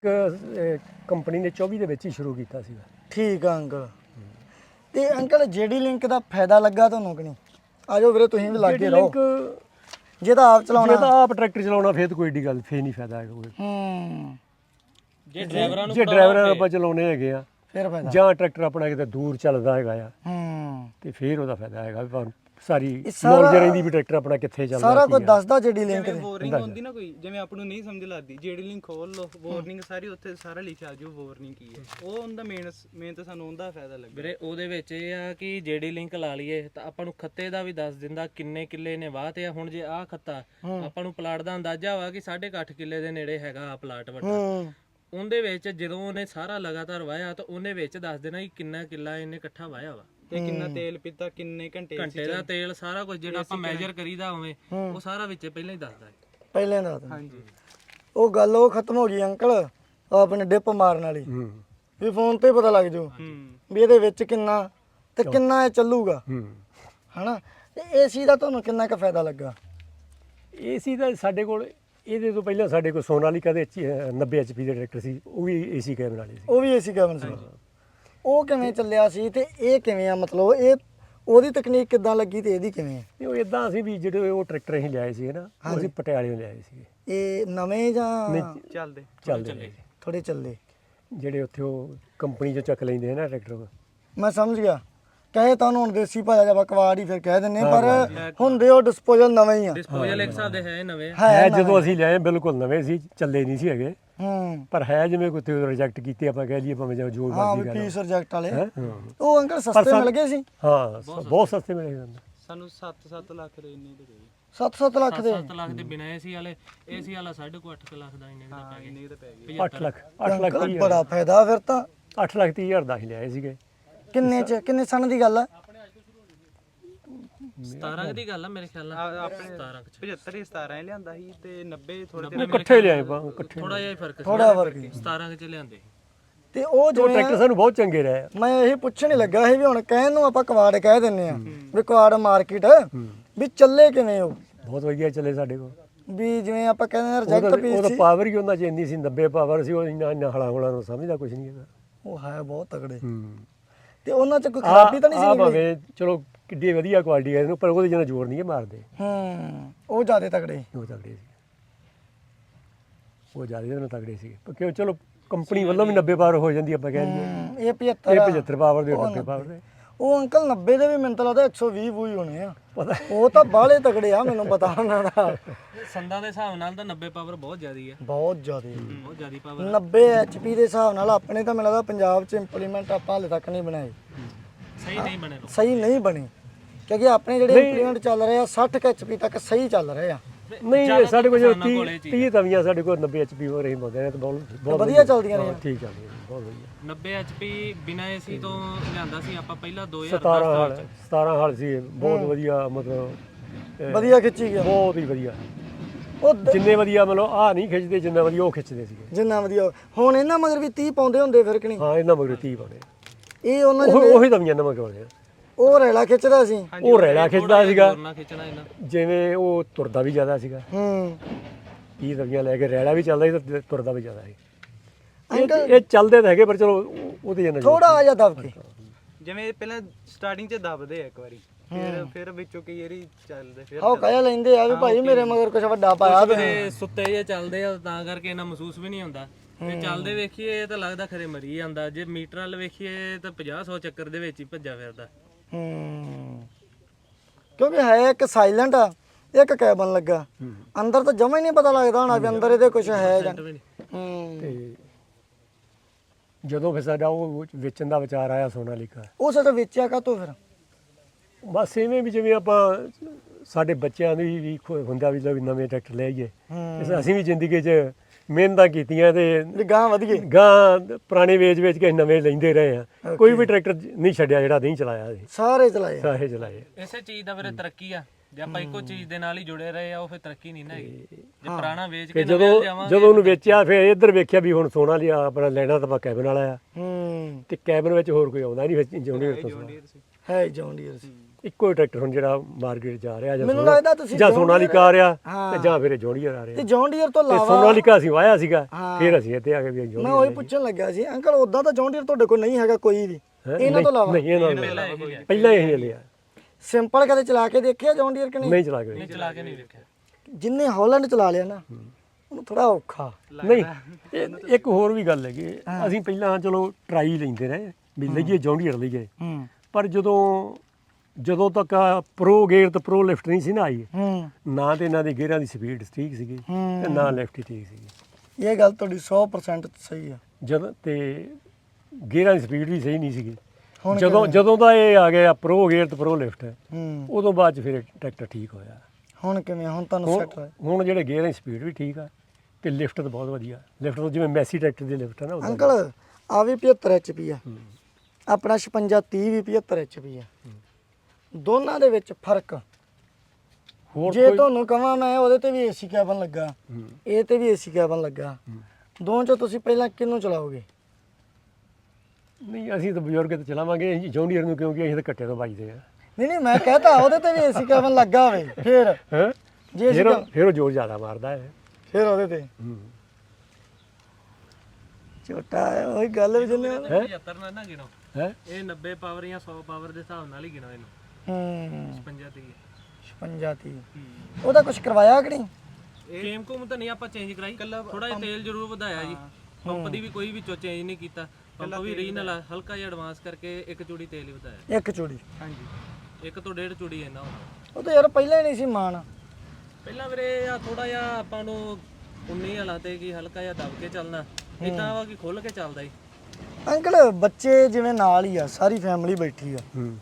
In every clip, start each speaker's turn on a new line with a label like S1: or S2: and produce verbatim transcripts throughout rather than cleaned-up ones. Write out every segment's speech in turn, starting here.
S1: Company ਨੇ ਚੌਵੀ ਦੇ ਵਿੱਚ ਹੀ ਸ਼ੁਰੂ ਕੀਤਾ ਸੀਗਾ।
S2: ਠੀਕ ਆ ਅੰਕਲ। ਤੇ ਅੰਕਲ ਜੇਡੀ ਲਿੰਕ ਦਾ ਫਾਇਦਾ ਲੱਗਾ ਤੁਹਾਨੂੰ ਕਿ ਨਹੀਂ? ਆ ਜਾਓ ਵੀਰੇ ਤੁਸੀਂ ਵੀ ਲੱਗੇ ਰਹੋ। ਜੇ ਤਾਂ ਆਪ ਚਲਾਉਣਾ
S1: ਜੇ ਤਾਂ ਆਪ ਟਰੈਕਟਰ ਚਲਾਉਣਾ ਫੇਰ ਤਾਂ ਕੋਈ ਏਡੀ ਗੱਲ ਫੇਰ ਨਹੀਂ ਫਾਇਦਾ ਹੈਗਾ ਕੋਈ।
S2: ਹੂੰ
S3: ਜੇ ਡਰਾਈਵਰਾਂ ਨੂੰ
S1: ਜੇ ਡਰਾਈਵਰਾਂ ਆਪਾਂ ਚਲਾਉਣੇ ਹੈਗੇ ਆ
S2: ਫਿਰ ਫਾਇਦਾ
S1: ਜਾਂ ਟਰੈਕਟਰ ਆਪਣਾ ਕਿਤੇ ਦੂਰ ਚੱਲਦਾ ਹੈਗਾ ਆ
S2: ਹੂੰ
S1: ਤੇ ਫੇਰ ਉਹਦਾ ਫਾਇਦਾ ਹੈਗਾ ਵੀ ਸਾਰੀ
S2: ਇਹ ਸਾਰਾ-
S1: ਨੌਲੇਜ ਰਹਿੰਦੀ ਵੀ ਟਰੈਕਟਰ ਆਪਣਾ ਕਿੱਥੇ ਚੱਲਦਾ
S2: ਸਾਰਾ
S1: ਕੀ
S2: ਕੁਝ
S1: ਆ।
S2: ਦੱਸਦਾ ਜੇਡੀ ਲਿੰਕ
S3: ਜਿਵੇਂ
S2: ਦੇ।
S3: ਵਾਰਨਿੰਗ ਹੁੰਦੀ ਨਾ ਕੋਈ, ਜਿਵੇਂ ਆਪਾਂ ਨੂੰ ਨਹੀਂ ਸਮਝ ਲੱਗਦੀ, ਜਿਹੜੀ ਲਿੰਕ ਖੋਲ ਲਓ ਵਾਰਨਿੰਗ ਸਾਰੀ ਉੱਥੇ ਸਾਰਾ ਲਿਖਿਆ ਜੋ ਵਾਰਨਿੰਗ ਕੀ ਹੈ। ਉਹ ਉਹਦਾ ਮੇਨ ਮੇਨ ਤਾਂ ਸਾਨੂੰ ਉਹਦਾ ਫਾਇਦਾ ਲੱਗਾ
S4: ਵੀਰੇ। ਉਹਦੇ ਵਿੱਚ ਇਹ ਆ ਕਿ ਜਿਹੜੀ ਲਿੰਕ ਲਾ ਲਈਏ ਤਾਂ ਆਪਾਂ ਨੂੰ ਖੱਤੇ ਦਾ ਵੀ ਦੱਸ ਦਿੰਦਾ ਕਿੰਨੇ ਕਿੱਲੇ ਨੇ ਵਾਹ ਤੇ ਆ। ਹੁਣ ਜੇ ਆਹ ਖੱਤਾ ਆਪਾਂ ਨੂੰ ਪਲਾਟ ਦਾ ਅੰਦਾਜ਼ਾ ਵਾ ਕਿ ਸਾਢੇ ਕੁ ਅੱਠ ਕਿੱਲੇ ਦੇ ਨੇੜੇ ਹੈਗਾ ਆ ਪਲਾਟ ਵੱਡਾ।
S2: ਹੂੰ
S4: ਉਹਦੇ ਵਿੱਚ ਜਦੋਂ ਉਹਨੇ ਸਾਰਾ ਲਗਾਤਾਰ ਵਾਇਆ ਤਾਂ ਉਹਨੇ ਵਿੱਚ ਦੱਸ ਦੇਣਾ ਕਿ ਕਿੰਨਾ ਕਿੱਲਾ ਇਹਨੇ ਇਕੱਠਾ ਵਾਇਆ ਵਾ
S3: ਤੇ ਕਿੰਨਾ ਤੇਲ ਪੀਤਾ, ਕਿੰਨੇ ਘੰਟੇ
S4: ਘੰਟੇ ਦਾ ਤੇਲ ਸਾਰਾ ਕੁਝ ਜਿਹੜਾ ਆਪਾਂ ਮੈਜਰ ਕਰੀਦਾ ਹੋਵੇ ਉਹ ਸਾਰਾ ਵਿੱਚ ਪਹਿਲਾਂ ਹੀ ਦੱਸਦਾ ਹੈ।
S2: ਪਹਿਲੇ ਦਾ ਤਾਂ।
S3: ਹਾਂਜੀ
S2: ਉਹ ਗੱਲ ਉਹ ਖਤਮ ਹੋ ਗਈ ਅੰਕਲ ਉਹ ਆਪਣੇ ਡਿਪ ਮਾਰਨ ਵਾਲੀ।
S1: ਹੂੰ
S2: ਵੀ ਫੋਨ ਤੇ ਪਤਾ ਲੱਗ ਜਾਊ
S3: ਹੂੰ
S2: ਵੀ ਇਹਦੇ ਵਿੱਚ ਕਿੰਨਾ ਤੇ ਕਿੰਨਾ ਇਹ ਚੱਲੂਗਾ
S1: ਹੂੰ
S2: ਹਨਾ। ਤੇ ਏਸੀ ਦਾ ਤੁਹਾਨੂੰ ਕਿੰਨਾ ਕੁ ਫਾਇਦਾ ਲੱਗਾ?
S1: ਏਸੀ ਦਾ ਸਾਡੇ ਕੋਲ ਇਹਦੇ ਤੋਂ ਪਹਿਲਾਂ ਸਾਡੇ ਕੋਲ ਸੋਨਾਲੀਕਾ ਦੇ ਨੱਬੇ ਐਚ ਪੀ ਦੇ ਟਰੈਕਟਰ ਸੀ, ਉਹ ਵੀ ਏਸੀ ਕੈਬਨ ਵਾਲੇ ਸੀ।
S2: ਉਹ ਵੀ ਏਸੀ ਕੈਬਨ ਸੀ। ਉਹ ਕਿਵੇਂ ਚੱਲਿਆ ਸੀ ਤੇ ਇਹ ਕਿਵੇਂ ਆ? ਮਤਲਬ ਇਹ ਉਹਦੀ ਤਕਨੀਕ ਕਿੱਦਾਂ ਲੱਗੀ ਤੇ ਇਹਦੀ ਕਿਵੇਂ ਆ?
S1: ਨਹੀਂ ਉਹ ਇਦਾਂ ਅਸੀਂ ਵੀ ਜਿਹੜੇ ਉਹ ਟਰੈਕਟਰ ਅਸੀਂ ਲਿਆਏ ਸੀ ਨਾ ਉਹ ਅਸੀਂ ਪਟਿਆਲੇ ਲਿਆਏ ਸੀਗੇ।
S2: ਇਹ ਨਵੇਂ ਜਾਂ
S3: ਚੱਲਦੇ
S1: ਚੱਲਦੇ ਨੇ
S2: ਥੋੜੇ ਚੱਲੇ?
S1: ਜਿਹੜੇ ਉੱਥੇ ਉਹ ਕੰਪਨੀ ਚੋਂ ਚੱਕ ਲੈਂਦੇ ਆ ਨਾ ਟਰੈਕਟਰ।
S2: ਮੈਂ ਸਮਝ ਗਿਆ। ਕਹੇ ਤੁਹਾਨੂੰ ਹੁਣ ਦੇਸੀ ਭਾਸ਼ਾ ਜਾਂ ਬਕਵਾੜ ਹੀ ਫਿਰ ਕਹਿ ਦਿੰਨੇ ਆ, ਪਰ ਹੁੰਦੇ ਉਹ ਡਿਸਪੋਜ਼ਲ ਨਵੇਂ ਹੀ ਆ।
S4: ਡਿਸਪੋਜ਼ਲ ਇੱਕ ਹਿਸਾਬ ਦੇ ਹੈ ਨਵੇਂ।
S1: ਹੈ ਜਦੋਂ ਅਸੀਂ ਲਿਆਏ ਬਿਲਕੁਲ ਨਵੇਂ ਸੀ, ਚੱਲੇ ਨਹੀਂ ਸੀ ਹੈਗੇ।
S2: ਹੂੰ
S1: ਪਰ ਹੈ ਜਿਵੇਂ ਕੋਈ ਤੇ ਰਿਜੈਕਟ ਕੀਤੇ ਆਪਾਂ ਕਹਿ ਲਈਏ ਭਾਵੇਂ ਜੋ
S2: ਹਾਂ
S1: ਮਰਜ਼ੀ
S2: ਵੀ
S1: ਗੱਲ।
S2: ਪੀਸ ਰਿਜੈਕਟ ਵਾਲੇ
S1: ਹਾਂ।
S2: ਉਹ ਅੰਕਲ ਸਸਤੇ ਮਿਲ ਗਏ ਸੀ।
S1: ਹਾਂ ਸ- ਬਹੁਤ ਸਸਤੇ ਮਿਲੇ ਜਾਂਦੇ।
S3: ਸਾਨੂੰ ਸੱਤ ਸੱਤ ਲੱਖ ਦੇ ਇੰਨੇ ਦੇ ਗਏ।
S2: ਸੱਤ ਸੱਤ ਲੱਖ ਦੇ।
S4: ਸੱਤ ਲੱਖ ਦੇ ਬਿਨਾਂ ਏਸੀ ਵਾਲੇ ਏਸੀ ਵਾਲਾ ਸਾਢੇ ਕੁ ਅੱਠ ਲੱਖ ਦਾ ਇੰਨੇ ਦਾ ਪੈ ਗਿਆ।
S3: ਇੰਨੇ ਦੇ ਪੈ ਗਏ।
S1: ਅੱਠ ਲੱਖ ਅੱਠ ਲੱਖ
S2: ਅੰਕਲ
S1: ਤੀਹ
S2: ਬੜਾ ਫਾਇਦਾ ਫਿਰ ਤਾਂ।
S1: ਅੱਠ ਲੱਖ ਤੀਹ ਹਜ਼ਾਰ ਦਾ ਅਸੀਂ ਲਿਆਏ ਸੀਗੇ।
S2: ਕਿੰਨੇ ਚ ਕਿੰਨੇ ਸਨ ਦੀ ਗੱਲ ਆ?
S4: ਸਤਾਰਾਂ ਕੁ ਦੀ ਗੱਲ ਆ ਮੇਰੇ ਖਿਆਲ ਨਾਲ।
S3: ਆਪਣੇ ਪਝੱਤਰ ਹੀ ਸਤਾਰਾਂ ਹੀ ਲਿਆਂਦਾ ਸੀ ਤੇ ਨੱਬੇ ਥੋੜੇ
S1: ਇਕੱਠੇ ਲਿਆਏ ਆਪਾਂ ਇਕੱਠੇ।
S4: ਥੋੜਾ ਜਿਹਾ ਹੀ ਫਰਕ ਸੀ।
S2: ਥੋੜਾ ਫਰਕ ਹੀ।
S4: ਸਤਾਰਾਂ ਕੁ ਚ ਲਿਆਂਦੇ।
S2: ਤੇ ਉਹ
S1: ਉਹ
S2: ਜਿਵੇਂ
S1: ਟਰੈਕਟਰ ਸਾਨੂੰ ਬਹੁਤ ਚੰਗੇ ਰਹੇ।
S2: ਮੈਂ ਇਹੀ ਪੁੱਛਣ ਹੀ ਲੱਗਾ ਸੀ ਵੀ ਹੁਣ ਕਹਿਣ ਨੂੰ ਆਪਾਂ ਕਵਾੜ ਕਹਿ ਦਿੰਨੇ ਆ ਵੀ ਕਵਾੜ ਮਾਰਕੀਟ ਵੀ ਚੱਲੇ ਕਿਵੇਂ ਉਹ?
S1: ਬਹੁਤ ਵਧੀਆ ਚੱਲੇ ਸਾਡੇ ਕੋਲ।
S2: ਵੀ ਜਿਵੇਂ ਆਪਾਂ ਕਹਿੰਦੇ ਆ ਰਿਜੈਕਟ ਪੀਸ
S1: ਉਹਦਾ
S2: ਸੀ।
S1: ਪਾਵਰ ਹੀ ਉਹਨਾਂ ਚ ਇੰਨੀ ਸੀ, ਨੱਬੇ ਪਾਵਰ ਸੀ। ਉਹ ਇੰਨਾ ਇੰਨਾ ਹਲਾ ਹੁਲਾ ਨੂੰ ਸਮਝਦਾ ਕੁਝ ਨਹੀਂ ਹੈਗਾ।
S2: ਉਹ ਹੈ ਬਹੁਤ ਤਗੜੇ।
S1: ਹੂੰ
S2: ਤੇ ਉਹਨਾਂ ਚ ਕੋਈ ਖਰਾਬੀ ਤਾਂ ਨਹੀਂ ਸੀ
S1: ਆ
S2: ਨਿਕਲੀ?
S1: ਭਾਵੇਂ ਚਲੋ ਕਿੱਡੀ ਵਧੀਆ ਕੁਆਲਿਟੀ ਹੈ ਇਹਨੂੰ, ਪਰ ਉਹਦੇ ਜਿੰਨਾ ਜ਼ੋਰ ਨਹੀਂ ਹੈ ਮਾਰਦੇ।
S2: ਹੂੰ ਉਹ ਜ਼ਿਆਦਾ ਤਗੜੇ।
S1: ਉਹ ਤਗੜੇ ਸੀ, ਉਹ ਜ਼ਿਆਦਾ ਇਹਨਾਂ ਤਗੜੇ ਸੀ। ਕਿਉਂ ਚਲੋ ਕੰਪਨੀ ਵੱਲੋਂ ਵੀ ਨੱਬੇ ਪਾਵਰ ਹੋ ਜਾਂਦੀ ਆਪਾਂ ਕਹਿ ਲਈਏ।
S2: ਹੂੰ, ਇਹ ਪਝੱਤਰ
S1: ਇਹ
S2: ਆ।
S1: ਪਝੱਤਰ ਪਾਵਰ ਦੇ ਨੱਬੇ ਪਾਵਰ ਦੇ।
S2: ਉਹ ਅੰਕਲ ਨੱਬੇ ਦੇ ਵੀ ਮੈਨੂੰ ਤਾਂ ਲੱਗਦਾ ਇੱਕ ਸੌ ਵੀਹ ਵੂਈ ਹੋਣੇ ਆ।
S1: ਪਤਾ
S2: ਉਹ ਤਾਂ ਬਾਹਲੇ ਤਗੜੇ ਆ, ਮੈਨੂੰ ਪਤਾ ਉਹਨਾਂ ਦਾ।
S4: ਸੰਦਾਂ ਦੇ ਹਿਸਾਬ ਨਾਲ ਤਾਂ ਨੱਬੇ ਪਾਵਰ ਬਹੁਤ ਜ਼ਿਆਦੀ ਹੈ।
S2: ਬਹੁਤ ਜ਼ਿਆਦਾ
S4: ਬਹੁਤ ਜ਼ਿਆਦੀ ਪਾਵਰ।
S2: ਨੱਬੇ ਐਚਪੀ ਦੇ ਹਿਸਾਬ ਨਾਲ ਆਪਣੇ ਤਾਂ ਮੈਨੂੰ ਲੱਗਦਾ ਪੰਜਾਬ 'ਚ ਇੰਪਲੀਮੈਂਟ ਆਪਾਂ ਹਾਲੇ ਤੱਕ ਨਹੀਂ ਬਣਾਏ।
S4: ਸਹੀ ਨਹੀਂ ਬਣੇ ਲੋਕ।
S2: ਸਹੀ ਨਹੀਂ ਬਣੇ ਕਿਉਂਕਿ ਆਪਣੇ ਜਿਹੜੇ ਇੰਪਲੀਮੈਂਟ ਚੱਲ ਰਹੇ ਆ ਸੱਠ ਐਚਪੀ ਤੱਕ ਸਹੀ ਚੱਲ ਰਹੇ ਆ।
S1: ਨਹੀਂ ਸਾਡੇ ਕੋਲ ਜੋ ਤੀਹ ਤੀਹ ਤਵੀਆਂ ਸਾਡੇ ਕੋਲ ਨੱਬੇ ਐਚ ਪੀ ਹੋ ਰਹੀ ਹੁੰਦੇ ਨੇ ਤੇ ਬਹੁਤ ਬਹੁਤ
S2: ਵਧੀਆ ਚੱਲਦੀਆਂ ਨੇ।
S1: ਠੀਕ ਚੱਲਦੀਆਂ ਨੇ, ਬਹੁਤ ਵਧੀਆ।
S4: ਨੱਬੇ ਐਚਪੀ ਬਿਨਾਂ ਏਸੀ ਤੋਂ ਲਿਆਂਦਾ ਸੀ ਆਪਾਂ ਪਹਿਲਾਂ ਦੋ ਹਜ਼ਾਰ
S1: ਸਤਾਰਾਂ ਹਾਲ ਸਤਾਰਾਂ ਹਾਲ ਸੀ, ਬਹੁਤ ਵਧੀਆ। ਮਤਲਬ
S2: ਵਧੀਆ ਖਿੱਚੀ ਗਿਆ,
S1: ਬਹੁਤ ਹੀ ਵਧੀਆ।
S2: ਉਹ
S1: ਜਿੰਨੇ ਵਧੀਆ ਮਤਲਬ ਆ ਨਹੀਂ ਖਿੱਚਦੇ ਜਿੰਨਾ ਵਧੀਆ ਉਹ ਖਿੱਚਦੇ ਸੀਗੇ।
S2: ਜਿੰਨਾ ਵਧੀਆ। ਹੁਣ ਇਹਨਾਂ ਮਗਰ ਵੀ ਤੀਹ ਪਾਉਂਦੇ ਹੁੰਦੇ ਫਿਰ ਕਿ ਨਹੀਂ?
S1: ਹਾਂ ਇਹਨਾਂ ਮਗਰ ਤੀਹ ਪਾਉਣੇ।
S2: ਇਹ ਉਹਨਾਂ
S1: ਉਹ
S2: ਜਿਹੜੇ
S1: ਉਹੀ ਤਵੀਆਂ ਨਵਾਂ ਕਰਾਉਣੇ।
S2: ਉਹ ਰੈਲਾ ਖਿੱਚਦਾ ਸੀ।
S1: ਉਹ ਰੈਲਾ ਖਿੱਚਦਾ ਸੀਗਾ,
S4: ਨਾ ਖਿੱਚਣਾ ਇਹਨਾਂ।
S1: ਜਿਵੇਂ ਉਹ ਤੁਰਦਾ ਵੀ ਜ਼ਿਆਦਾ ਸੀਗਾ।
S2: ਹੂੰ
S1: ਤੀਹ ਤਵੀਆਂ ਲੈ ਕੇ ਰੈਲਾ ਵੀ ਚੱਲਦਾ ਸੀ ਤੇ ਤੁਰਦਾ ਵੀ ਜ਼ਿਆਦਾ ਸੀ। ਇਹ ਇਹ ਚੱਲਦੇ ਤਾਂ ਹੈਗੇ ਪਰ ਚਲੋ ਉਹਦੇ ਜਨਾ
S2: ਥੋੜਾ ਆ ਜਾ ਦਬ ਕੇ।
S3: ਜਿਵੇਂ ਪਹਿਲਾਂ ਸਟਾਰਟਿੰਗ 'ਚ ਦੱਬਦੇ ਆ ਇੱਕ ਵਾਰੀ, ਫਿਰ ਫਿਰ ਵਿੱਚੋਂ ਕਈ ਵਾਰੀ ਚੱਲਦੇ ਫਿਰ
S2: ਹਾਂ ਕਹਿ ਲੈਂਦੇ ਆ ਵੀ ਭਾਈ ਮੇਰੇ ਮਗਰ ਕੁਝ ਵੱਡਾ ਪਾਇਆ ਤੇ
S4: ਤੇ ਸੁੱਤੇ ਜੇ ਚੱਲਦੇ ਆ ਤਾਂ ਕਰਕੇ ਇਹਨਾਂ ਮਹਿਸੂਸ ਵੀ ਨਹੀਂ ਹੁੰਦਾ। ਤੇ ਚੱਲਦੇ ਵੇਖੀਏ ਤਾਂ ਲੱਗਦਾ ਖਰੇ ਮਰੀ ਜਾਂਦਾ। ਜੇ ਮੀਟਰ ਵਾਲ ਵੇਖੀਏ ਤਾਂ ਪੰਜਾਹ ਸੌ ਚੱਕਰ ਦੇ ਵਿੱਚ ਹੀ ਭੱਜਾ ਫਿਰਦਾ।
S2: ਹੂੰ ਕਿਉਂਕਿ ਹੈ ਇੱਕ ਸਾਇਲੈਂਟ ਆ, ਇੱਕ ਕੈਬਨ ਲੱਗਾ। ਅੰਦਰ ਤਾਂ ਜਮਾ ਹੀ ਨਹੀਂ ਪਤਾ ਲੱਗਦਾ ਹੋਣਾ ਵੀ ਅੰਦਰ ਇਹਦੇ ਕੁਝ ਹੈ ਜਾਂ। ਹੂੰ
S1: ਤੇ ਜਦੋਂ ਫਿਰ ਸਾਡਾ ਉਹ ਵੇਚਣ ਦਾ ਵਿਚਾਰ ਆਇਆ ਸੋਨਾਲੀਕਾ,
S2: ਉਹ ਸਾਡਾ ਵੇਚਿਆ ਕਾਹਤੋਂ ਫਿਰ?
S1: ਬਸ ਇਵੇਂ ਵੀ ਜਿਵੇਂ ਆਪਾਂ ਸਾਡੇ ਬੱਚਿਆਂ ਦੀ ਵੀ ਖੁ- ਹੁੰਦਾ ਵੀ ਲਓ ਵੀ ਨਵੇਂ ਟਰੈਕਟਰ ਲੈ ਆਈਏ। ਇਸ ਅਸੀਂ ਵੀ ਜ਼ਿੰਦਗੀ 'ਚ ਮਿਹਨਤਾਂ ਕੀਤੀਆਂ ਤੇ
S2: ਵੀ ਗਾਂ ਵਧੀਆ।
S1: ਗਾਂ ਪੁਰਾਣੇ ਵੇਚ ਵੇਚ ਕੇ ਨਵੇਂ ਲੈਂਦੇ ਰਹੇ ਆ। ਕੋਈ ਵੀ ਟਰੈਕਟਰ ਨਹੀਂ ਛੱਡਿਆ ਜਿਹੜਾ ਨਹੀਂ ਚਲਾਇਆ ਅਸੀਂ,
S2: ਸਾਰੇ ਚਲਾਏ।
S1: ਸਾਰੇ ਚਲਾਏ।
S4: ਇਸੇ ਚੀਜ਼ ਦਾ ਵੀਰੇ ਤਰੱਕੀ ਆ। ਜੇ ਆਪਾਂ ਇੱਕੋ ਚੀਜ਼ ਦੇ ਨਾਲ ਹੀ ਜੁੜੇ ਰਹੇ ਆ ਉਹ ਫਿਰ ਤਰੱਕੀ ਨਹੀਂ ਨਾ ਹੈਗੀ। ਜੇ ਪੁਰਾਣਾ ਵੇਚ ਕੇ
S1: ਜਦੋਂ
S4: ਨਵੇਂ ਜਾਵਾਂਗੇ
S1: ਜਦੋਂ ਉਹਨੂੰ ਵੇਚਿਆ ਫਿਰ ਇੱਧਰ ਵੇਖਿਆ ਵੀ ਹੁਣ ਸੋਨਾ ਲਿਆ ਆਪਣਾ ਲੈਣਾ ਤਾਂ ਆਪਾਂ ਕੈਬਨ ਵਾਲਾ ਆ।
S2: ਹੂੰ
S1: ਤੇ ਕੈਬਨ ਵਿੱਚ ਹੋਰ ਕੋਈ ਆਉਂਦਾ ਨਹੀਂ ਫਿਰ ਜੌਂਡੀਅਰ ਤੋਂ ਸਿਵਾ।
S2: ਹੈ ਜੌਂਡੀਅਰ ਸੀ।
S1: ਇੱਕੋ ਹੀ ਟਰੈਕਟਰ ਹੁਣ ਜਿਹੜਾ ਮਾਰਕੀਟ ਜਾ ਰਿਹਾ ਜਾਂ
S2: ਮੈਨੂੰ
S1: ਸੋਨਾ-
S2: ਲੱਗਦਾ ਤੁਸੀਂ
S1: ਜਾਂ
S2: John
S1: ਸੋਨਾਲੀਕਾ ਆ ਰਿਹਾ
S2: ਹਾਂ।
S1: ਤੇ ਜਾਂ ਫਿਰ ਜੌਂਡੀਅਰ ਆ ਰਿਹਾ
S2: ਤੇ ਜੌਨ ਡੀਅਰ ਤੋਂ
S1: ਤੇ
S2: ਇਲਾਵਾ
S1: ਸੋਨਾਲੀਕਾ ਅਸੀਂ ਵਾਇਆ ਸੀਗਾ
S2: ਹਾਂ।
S1: ਫਿਰ ਅਸੀਂ ਇੱਥੇ ਆ ਕੇ ਵੀ
S2: ਮੈਂ
S1: ਜੌਂਡੀਅਰ
S2: ਉਹੀ ਪੁੱਛਣ ਲੱਗਾ ਸੀ ਅੰਕਲ ਉਦਾਂ ਤਾਂ ਜੌਨ ਡੀਅਰ ਤੁਹਾਡੇ ਕੋਲ ਨਹੀਂ ਹੈਗਾ ਕੋਈ ਵੀ
S1: ਹੈਂ?
S2: ਇਹਨਾਂ ਤੋਂ ਇਲਾਵਾ
S1: ਨਹੀਂ ਇਹਨਾਂ ਨਾਲ ਪਹਿਲਾਂ ਇਹ ਲਿਆ
S2: ਸਿੰਪਲ ਕਦੇ ਚਲਾ ਕੇ ਦੇਖਿਆ ਜੌਨ ਡੀਅਰ ਕਿ ਨਹੀਂ
S1: ਨਹੀਂ ਚਲਾ ਕੇ
S4: ਚਲਾ ਕੇ ਨਹੀਂ ਵੇਖਿਆ।
S2: ਜਿੰਨੇ ਹਾਲੈਂਡ ਚਲਾ ਲਿਆ ਨਾ ਉਹਨੂੰ ਥੋੜਾ ਔਖਾ
S1: ਨਹੀਂ ਇਹ- ਇੱਕ ਹੋਰ ਵੀ ਗੱਲ ਹੈਗੀ ਅਸੀਂ ਪਹਿਲਾਂ ਚਲੋ ਟਰਾਈ ਲੈਂਦੇ ਰਹੇ ਵੀ ਲਈਏ ਜੌਂਡੀਅਰ ਲਈਏ
S2: ਹੂੰ
S1: ਪਰ ਜਦੋਂ ਜਦੋਂ ਤੱਕ ਪ੍ਰੋ ਗੇਅਰ ਤੇ ਪ੍ਰੋ ਲਿਫਟ ਨਹੀਂ ਸੀ ਨਾ ਆਈ
S2: ਹੂੰ
S1: ਨਾ ਤੇ ਇਹਨਾਂ ਦੀ ਗੇਅਰਾਂ ਦੀ ਸਪੀਡ ਠੀਕ ਸੀਗੀ ਤੇ ਨਾ ਲਿਫਟ ਹੀ ਠੀਕ ਸੀਗੀ
S2: ਇਹ ਗੱਲ ਤੁਹਾਡੀ ਸੌ ਪ੍ਰਸੈਂਟ ਸਹੀ ਆ
S1: ਜਦ ਤੇ ਗੇਅਰਾਂ ਦੀ ਸਪੀਡ ਵੀ ਸਹੀ ਨਹੀਂ ਸੀਗੀ
S2: ਹੁਣ
S1: ਜਦੋਂ ਜਦੋਂ ਦਾ ਇਹ ਆ ਗਿਆ ਪ੍ਰੋ ਗੇਅਰ ਤੇ ਪ੍ਰੋ ਲਿਫਟ
S2: ਹੂੰ
S1: ਉਦੋਂ ਬਾਅਦ ਚ ਫਿਰ ਟਰੈਕਟਰ ਠੀਕ ਹੋਇਆ
S2: ਹੁਣ ਕਿਵੇਂ ਹੁਣ ਤੁਹਾਨੂੰ
S1: ਹੁਣ
S2: ਸੈੱਟ ਹੋਇਆ
S1: ਹੁਣ ਜਿਹੜੇ ਗੇਅਰਾਂ ਦੀ ਸਪੀਡ ਵੀ ਠੀਕ ਆ ਤੇ ਲਿਫਟ ਤਾਂ ਬਹੁਤ ਵਧੀਆ ਲਿਫਟ ਤਾਂ ਜਿਵੇਂ ਮੈਸੀ ਟਰੈਕਟਰ ਦੀ ਲਿਫਟ ਹੈ ਨਾ ਉਦਾਂ ਦੀ।
S2: ਅੰਕਲ ਆ ਵੀ ਪਝੱਤਰ ਐਚ ਪੀ ਆ ਆਪਣਾ ਛਪੰਜਾ ਤੀਹ ਵੀ ਪਝੱਤਰ ਐਚ ਪੀ ਆ ਦੋਨਾਂ ਦੇ ਵਿੱਚ ਫਰਕ
S1: ਹੋਰ
S2: ਜੇ
S1: ਕੋਈ
S2: ਤੁਹਾਨੂੰ ਕਹਾਂ ਮੈਂ ਉਹਦੇ ਤੇ ਵੀ ਏਸੀ ਕੈਬਨ ਲੱਗਾ
S1: ਹੂੰ।
S2: ਇਹ ਤੇ ਵੀ ਏਸੀ ਕੈਬਨ ਲੱਗਾ ਦੋਵਾਂ ਚੋਂ ਤੁਸੀਂ ਪਹਿਲਾਂ ਕਿਹਨੂੰ ਚਲਾਓਗੇ
S1: ਨਹੀਂ ਅਸੀਂ ਤਾਂ ਬਜ਼ੁਰਗ ਤੇ ਚਲਾਵਾਂਗੇ ਅਸੀਂ ਜੌਂਡੀਅਰ ਨੂੰ ਕਿਉਂਕਿ ਅਸੀਂ ਤਾਂ ਕੱਟੇ ਤੋਂ ਵੱਜਦੇ ਆ
S2: ਨਹੀਂ ਨਹੀਂ ਮੈਂ ਕਹਤਾ ਉਹਦੇ ਤੇ ਵੀ ਏਸੀ ਕੈਬਨ ਲੱਗਾ ਹੋਵੇ ਫਿਰ
S1: ਹੈ
S2: ਜੇ AC
S1: ਫਿਰ ਉਹ-
S2: ਕੈਬਨ-
S1: ਫਿਰ ਉਹ ਜ਼ੋਰ ਜ਼ਿਆਦਾ ਮਾਰਦਾ ਹੈ
S2: ਫਿਰ ਉਹਦੇ ਤੇ
S1: ਹੂੰ।
S2: ਛੋਟਾ ਹੈ ਉਹੀ ਗੱਲ ਵੀ ਜਿੰਨੇ
S4: ਪਝੱਤਰ ਨਾਲ ਨਾ ਗਿਣੋ
S1: ਹੈ
S4: ਇਹ ਨੱਬੇ ਪਾਵਰ ਜਾਂ ਸੌ ਪਾਵਰ ਦੇ ਹਿਸਾਬ ਨਾਲ ਹੀ ਗਿਣੋ ਇਹਨੂੰ
S2: ਹੂੰ
S4: ਪੰਜਾਹ ਦੀ
S2: ਛਪੰਜਾ ਤੀਹ ਉਹਦਾ ਕੁਝ ਕਰਵਾਇਆ ਕਿ ਨਹੀਂ
S4: ਕੇਮ ਕੂਮ ਤਾਂ ਨਹੀਂ ਆਪਾਂ ਚੇਂਜ ਕਰਾਈ ਥੋੜਾ ਜਿਹਾ ਤੇਲ ਜ਼ਰੂਰ ਵਧਾਇਆ ਜੀ ਪੰਪ ਦੀ ਵੀ ਕੋਈ ਵਿੱਚੋਂ ਚੇਂਜ ਨਹੀਂ ਕੀਤਾ ਪੰਪ ਵੀ ਰੀਜਨਲ ਆ ਹਲਕਾ ਜਿਹਾ ਐਡਵਾਂਸ ਕਰਕੇ ਇੱਕ ਚੂੜੀ ਤੇਲ ਹੀ ਵਧਾਇਆ
S2: ਇੱਕ ਚੂੜੀ
S4: ਹਾਂਜੀ ਇੱਕ ਤੋਂ ਡੇਢ ਚੂੜੀ ਇੰਨਾ ਹੋਣਾ
S2: ਉਹ ਤਾਂ ਯਾਰ ਪਹਿਲਾਂ ਹੀ ਨਹੀਂ ਸੀ ਮਾਨ
S4: ਪਹਿਲਾਂ ਵੀਰੇ ਆ ਥੋੜਾ ਜਿਹਾ ਆਪਾਂ ਨੂੰ ਉੱਨੀ ਵਾਲਾ ਤੇ ਕੀ ਹਲਕਾ ਜਿਹਾ ਦਬ ਕੇ ਚੱਲਣਾ ਇਦਾਂ ਵਾ ਕਿ ਖੁੱਲ ਕੇ ਚੱਲਦਾ ਹੀ
S2: ਅੰਕਲ ਬੱਚੇ ਜਿਵੇਂ ਨਾਲ ਹੀ ਆ ਸਾਰੀ ਫੈਮਿਲੀ ਬੈਠੀ ਆ
S1: ਹੂੰ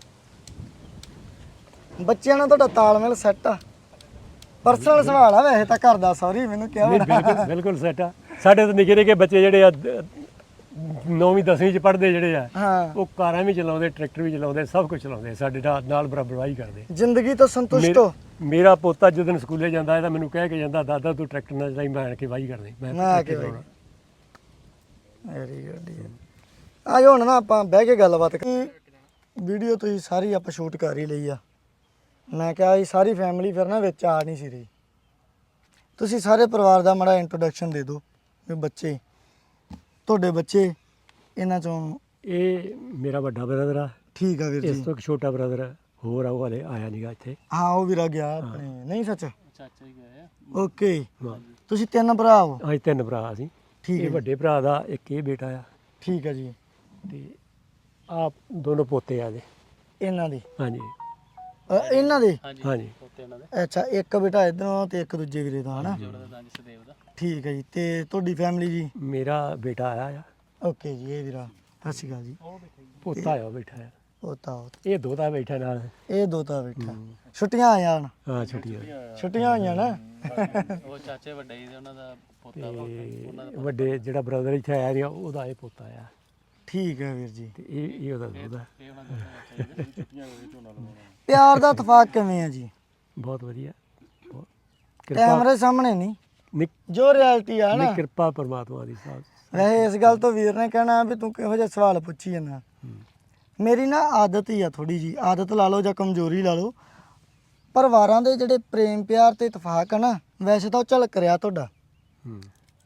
S2: ਬੱਚਿਆਂ ਨਾਲ ਤੁਹਾਡਾ ਤਾਲਮੇਲ ਸੈੱਟ ਆ ਪਰਸਨਲ ਸਵਾਲ ਆ ਵੈਸੇ ਤਾਂ ਘਰ ਦਾ ਸੌਰੀ ਮੈਨੂੰ ਕਿਹਾ
S1: ਨਹੀਂ ਬਿਲਕੁਲ ਬਿਲਕੁਲ ਸੈਟ ਆ ਸਾਡੇ ਤਾਂ ਨਿੱਕੇ ਨਿੱਕੇ ਬੱਚੇ ਜਿਹੜੇ ਆ ਨੌਵੀਂ ਦਸਵੀਂ ਚ ਪੜ੍ਹਦੇ ਜਿਹੜੇ ਆ
S2: ਹਾਂ
S1: ਉਹ ਕਾਰਾਂ ਵੀ ਚਲਾਉਂਦੇ ਟਰੈਕਟਰ ਵੀ ਚਲਾਉਂਦੇ ਸਭ ਕੁਝ ਚਲਾਉਂਦੇ ਸਾਡੇ ਨਾਲ ਨਾਲ ਬਰਾਬਰ ਵਾਹੀ ਕਰਦੇ
S2: ਜ਼ਿੰਦਗੀ ਤੋਂ ਸੰਤੁਸ਼ਟ
S1: ਮੇਰਾ-
S2: ਹੋ
S1: ਮੇਰਾ ਪੋਤਾ ਜਦੋਂ ਸਕੂਲੇ ਜਾਂਦਾ ਹੈ ਤਾਂ ਮੈਨੂੰ ਕਹਿ ਕੇ ਜਾਂਦਾ ਦਾਦਾ ਤੂੰ ਟਰੈਕਟਰ ਨਾਲ ਚਲਾਈ ਮੈਂ ਆਣ ਕੇ ਵਾਹੀ ਕਰਨੀ ਮੈਂ
S2: ਮੈਂ ਆ ਕੇ
S1: ਟਰੈਕਟਰ
S2: ਵਾਹੀ। ਵੈਰੀ ਗੁੱਡ ਆ ਹੁਣ ਨਾ ਆਪਾਂ ਬਹਿ ਕੇ ਗੱਲਬਾਤ ਕਰੀ ਵੀਡੀਓ ਤੁਸੀਂ ਸਾਰੀ ਆਪਾਂ ਸ਼ੂਟ ਕਰ ਹੀ ਲਈ ਆ ਮੈਂ ਕਿਹਾ ਇਹ ਸਾਰੀ ਫੈਮਿਲੀ ਫਿਰ ਨਾ ਵਿੱਚ ਆ ਨਹੀਂ ਸੀ ਰਹੀ ਤੁਸੀਂ ਸਾਰੇ ਪਰਿਵਾਰ ਦਾ ਮਾੜਾ ਇੰਟਰੋਡਕਸ਼ਨ ਦੇ ਦਿਓ ਵੀ ਬੱਚੇ ਤੁਹਾਡੇ ਬੱਚੇ ਇਹਨਾਂ ਚੋਂ
S1: ਇਹ ਮੇਰਾ ਵੱਡਾ ਬ੍ਰਦਰ ਆ
S2: ਠੀਕ ਆ ਵੀਰ
S1: ਇਸ
S2: ਜੀ
S1: ਤੋਂ ਇੱਕ ਛੋਟਾ ਬ੍ਰਦਰ ਹੋਰ ਆ ਉਹ ਹਲੇ ਆਇਆ ਨਹੀਂਗਾ ਇੱਥੇ
S2: ਹਾਂ ਉਹ ਵੀਰਾ ਗਿਆ ਆਪਣੇ ਨਹੀਂ ਸੱਚ
S4: ਚਾਚਾ ਹੀ ਗਏ ਆ
S2: ਓਕੇ
S1: ਹਾਂ।
S2: ਤੁਸੀਂ ਤਿੰਨ ਭਰਾ ਹੋ
S1: ਅਸੀਂ ਤਿੰਨ ਭਰਾ ਅਸੀਂ
S2: ਠੀਕ
S1: ਇਹ
S2: ਹੈ
S1: ਵੱਡੇ ਭਰਾ ਦਾ ਇੱਕ ਇਹ ਬੇਟਾ ਆ
S2: ਠੀਕ ਹੈ ਜੀ
S1: ਤੇ ਆ ਦੋਨੋਂ ਪੋਤੇ ਆ ਦੇ
S2: ਇਹਨਾਂ ਦੀ
S1: ਹਾਂਜੀ
S2: ਅ, ਇਹਨਾਂ ਦੇ
S1: ਹਾਂਜੀ
S4: ਉੱਤੇ ਇਹਨਾਂ ਦੇ
S2: ਅੱਛਾ ਇੱਕ ਬੇਟਾ ਇਧਰੋਂ ਤੇ ਇੱਕ ਦੂਜੇ ਵੀਰੇ ਦਾ ਹਨਾ
S4: ਜੋੜਾ ਦਾ ਸਦੇਵ ਦਾ
S2: ਠੀਕ ਹੈ ਜੀ ਤੇ ਤੁਹਾਡੀ ਫੈਮਿਲੀ ਜੀ
S1: ਮੇਰਾ ਬੇਟਾ ਆਇਆ ਆ
S2: ਓਕੇ ਜੀ ਇਹ ਵੀਰਾ ਸਤਿ ਸ਼੍ਰੀ ਅਕਾਲ ਜੀ
S1: ਪੋਤਾ ਆ ਉਹ ਬੈਠਾ ਆ
S2: ਉਹ ਤਾਂ ਉਹ
S1: ਇਹ ਦੋਤਾ ਬੈਠਾ ਨਾਲ
S2: ਇਹ ਦੋ ਤਾਂ ਬੈਠਾ ਛੁੱਟੀਆਂ ਆਈਆਂ ਹੁਣ
S1: ਹਾਂ ਛੁੱਟੀ ਹੋਈ
S2: ਛੁੱਟੀਆਂ ਹੋਈਆਂ ਨਾ
S4: ਉਹ ਚਾਚੇ ਵੱਡੇ ਜੀ ਉਹਨਾਂ ਦਾ ਪੋਤਾ ਵਾ
S1: ਤੇ ਵੱਡੇ ਜਿਹੜਾ ਬ੍ਰਦਰ ਇੱਥੇ ਆਇਆ ਰਿਹਾ ਉਹਦਾ ਇਹ ਪੋਤਾ ਆ
S2: ਠੀਕ ਹੈ ਵੀਰ ਜੀ
S1: ਤੇ ਇਹ ਇਹ ਉਹਦਾ ਦੋਤਾ
S4: ਇਹ ਉਹਨਾਂ ਦਾ ਛੁੱਟੀਆਂ ਹੋਵੇ ਝੋਨਾ ਲਵਾਉਣਾ
S2: ਪਿਆਰ ਦਾ ਇਤਫਾਕ ਕਿਵੇਂ ਆ ਜੀ
S1: ਬਹੁਤ ਵਧੀਆ ਬਹੁਤ ਕਿਰਪਾ
S2: ਕੈਮਰੇ ਸਾਹਮਣੇ ਨਹੀਂ
S1: ਨਿਕ
S2: ਜੋ ਰਿਐਲਿਟੀ ਆ ਨਾ
S1: ਨਹੀਂ ਕਿਰਪਾ ਪਰਮਾਤਮਾ ਦੀ ਸਾਹਿਬ
S2: ਵੈਸੇ ਇਸ ਗੱਲ ਤੋਂ ਵੀਰ ਨੇ ਕਹਿਣਾ ਵੀ ਤੂੰ ਕਿਹੋ ਜਿਹਾ ਸਵਾਲ ਪੁੱਛੀ ਜਾਂਦਾ ਮੇਰੀ ਨਾ ਆਦਤ ਹੀ ਆ ਥੋੜੀ ਜੀ ਆਦਤ ਲਾ ਲਓ ਜਾਂ ਕਮਜ਼ੋਰੀ ਲਾ ਲਓ ਪਰਿਵਾਰਾਂ ਦੇ ਜਿਹੜੇ ਪ੍ਰੇਮ ਪਿਆਰ ਤੇ ਇਤਫਾਕ ਆ ਨਾ ਵੈਸੇ ਤਾਂ ਉਹ ਝਲਕ ਰਿਹਾ ਤੁਹਾਡਾ
S1: ਹੂੰ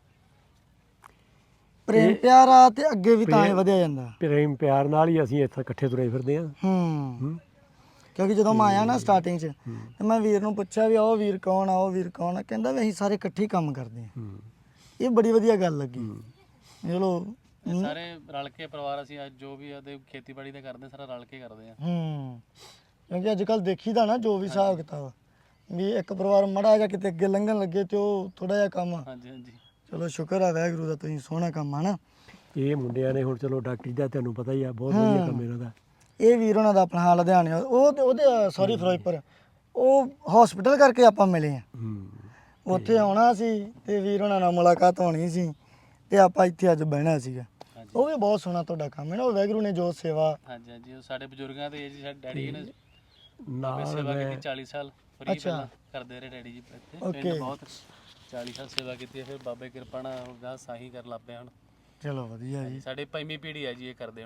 S2: ਪ੍ਰੇਮ ਪਿਆਰ ਆ ਤੇ ਅੱਗੇ ਵੀ ਤਾਂ ਹੀ ਵਧਿਆ ਜਾਂਦਾ
S1: ਪ੍ਰੇਮ ਪਿਆਰ ਨਾਲ ਹੀ ਅਸੀਂ ਇੱਥੇ ਇਕੱਠੇ ਤੁਰੇ ਫਿਰਦੇ ਹਾਂ
S2: ਹੂੰ
S1: ਹੂੰ
S2: ਕਿਉਂਕਿ ਜਦੋਂ ਮੈਂ ਆਇਆ ਨਾ ਸਟਾਰਟਿੰਗ 'ਚ ਤੇ ਮੈਂ ਵੀਰ ਨੂੰ ਪੁੱਛਿਆ ਵੀ ਉਹ ਵੀਰ ਕੌਣ ਆ ਉਹ ਵੀਰ ਕੌਣ ਆ ਕਹਿੰਦਾ ਵੀ ਅਸੀਂ ਸਾਰੇ ਇਕੱਠੇ ਹੀ ਕੰਮ ਕਰਦੇ ਹਾਂ
S1: ਹੂੰ
S2: ਇਹ ਬੜੀ ਵਧੀਆ ਗੱਲ ਲੱਗੀ ਚਲੋ
S4: ਇਹ ਸਾਰੇ ਰਲ ਕੇ ਪਰਿਵਾਰ ਅਸੀਂ ਅੱਜ ਜੋ ਵੀ ਆਦੇ ਖੇਤੀਬਾੜੀ ਦਾ ਕਰਦੇ ਸਾਰਾ ਰਲ ਕੇ ਕਰਦੇ ਆ
S2: ਹੂੰ ਕਿਉਂਕਿ ਅੱਜ ਕੱਲ ਦੇਖੀਦਾ ਨਾ ਜੋ ਵੀ ਹਿਸਾਬ ਕਿਤਾਬ ਵੀ ਇੱਕ ਪਰਿਵਾਰ ਮੜਾ ਜਾਂ ਕਿਤੇ ਅੱਗੇ ਲੰਘਣ ਲੱਗੇ ਤੇ ਉਹ ਥੋੜਾ ਜਿਹਾ ਕੰਮ
S4: ਹਾਂਜੀ ਹਾਂਜੀ
S2: ਚਲੋ ਸ਼ੁਕਰ ਆ ਵਾਹਿਗੁਰੂ ਦਾ ਤੁਸੀਂ ਸੋਹਣਾ ਕੰਮ ਆ ਨਾ
S1: ਇਹ ਮੁੰਡਿਆਂ ਨੇ ਹੁਣ ਚਲੋ ਡਾਕਟਰੀ ਦਾ ਤੁਹਾਨੂੰ ਪਤਾ ਹੀ ਆ ਬਹੁਤ ਵਧੀਆ ਕੰਮ ਇਹਨਾਂ ਦਾ
S2: ਇਹ ਵੀਰ ਉਹਨਾਂ ਦਾ ਆਪਣਾ ਹਾਲ ਲੁਧਿਆਣੇ ਆ। ਉਹ ਤੇ ਉਹਦੇ ਸੌਰੀ ਫਿਰੋਜ਼ਪੁਰ ਉਹ ਹਸਪੀਟਲ ਕਰਕੇ ਆਪਾਂ ਮਿਲੇ ਆ
S1: ਹੂੰ
S2: ਉੱਥੇ ਆਉਣਾ ਸੀ ਤੇ ਵੀਰ ਉਹਨਾਂ ਨਾਲ ਮੁਲਾਕਾਤ ਹੋਣੀ ਸੀ ਤੇ ਆਪਾਂ ਇੱਥੇ ਅੱਜ ਬਹਿਣਾ ਸੀਗਾ ਉਹ ਵੀ ਬਹੁਤ ਸੋਹਣਾ ਤੁਹਾਡਾ ਕੰਮ ਹੈ ਨਾ ਉਹ ਵਾਹਿਗੁਰੂ ਨੇ ਜੋ ਸੇਵਾ
S4: ਹਾਂਜੀ ਹਾਂਜੀ ਉਹ ਸਾਡੇ ਬਜ਼ੁਰਗਾਂ ਦੇ ਜੀ ਸਾਡੇ ਡੈਡੀ ਨੇ
S1: ਨਾਲ
S4: ਸੇਵਾ
S1: ਮੈਂ
S4: ਕੀਤੀ ਚਾਲੀ ਸਾਲ ਫਰੀ
S2: ਅੱਛਾ।
S4: ਪਹਿਲਾਂ ਕਰਦੇ ਰਹੇ ਡੈਡੀ ਜੀ ਇੱਥੇ
S2: Okay.
S4: ਪਿੰਡ ਬਹੁਤ ਚਾਲੀ ਸਾਲ ਸੇਵਾ ਕੀਤੀ ਹੈ ਫਿਰ ਬਾਬੇ ਕਿਰਪਾ ਨਾਲ ਗਾਂ ਸਾਹੀ ਕਰ ਲੱਗ ਪਿਆ ਹੁਣ
S2: ਚਲੋ ਵਧੀਆ ਜੀ
S4: ਸਾਡੇ ਪੰਜਵੀਂ ਪੀੜ੍ਹੀ ਹੈ ਜੀ ਇਹ ਕਰਦੇ ਹੁਣ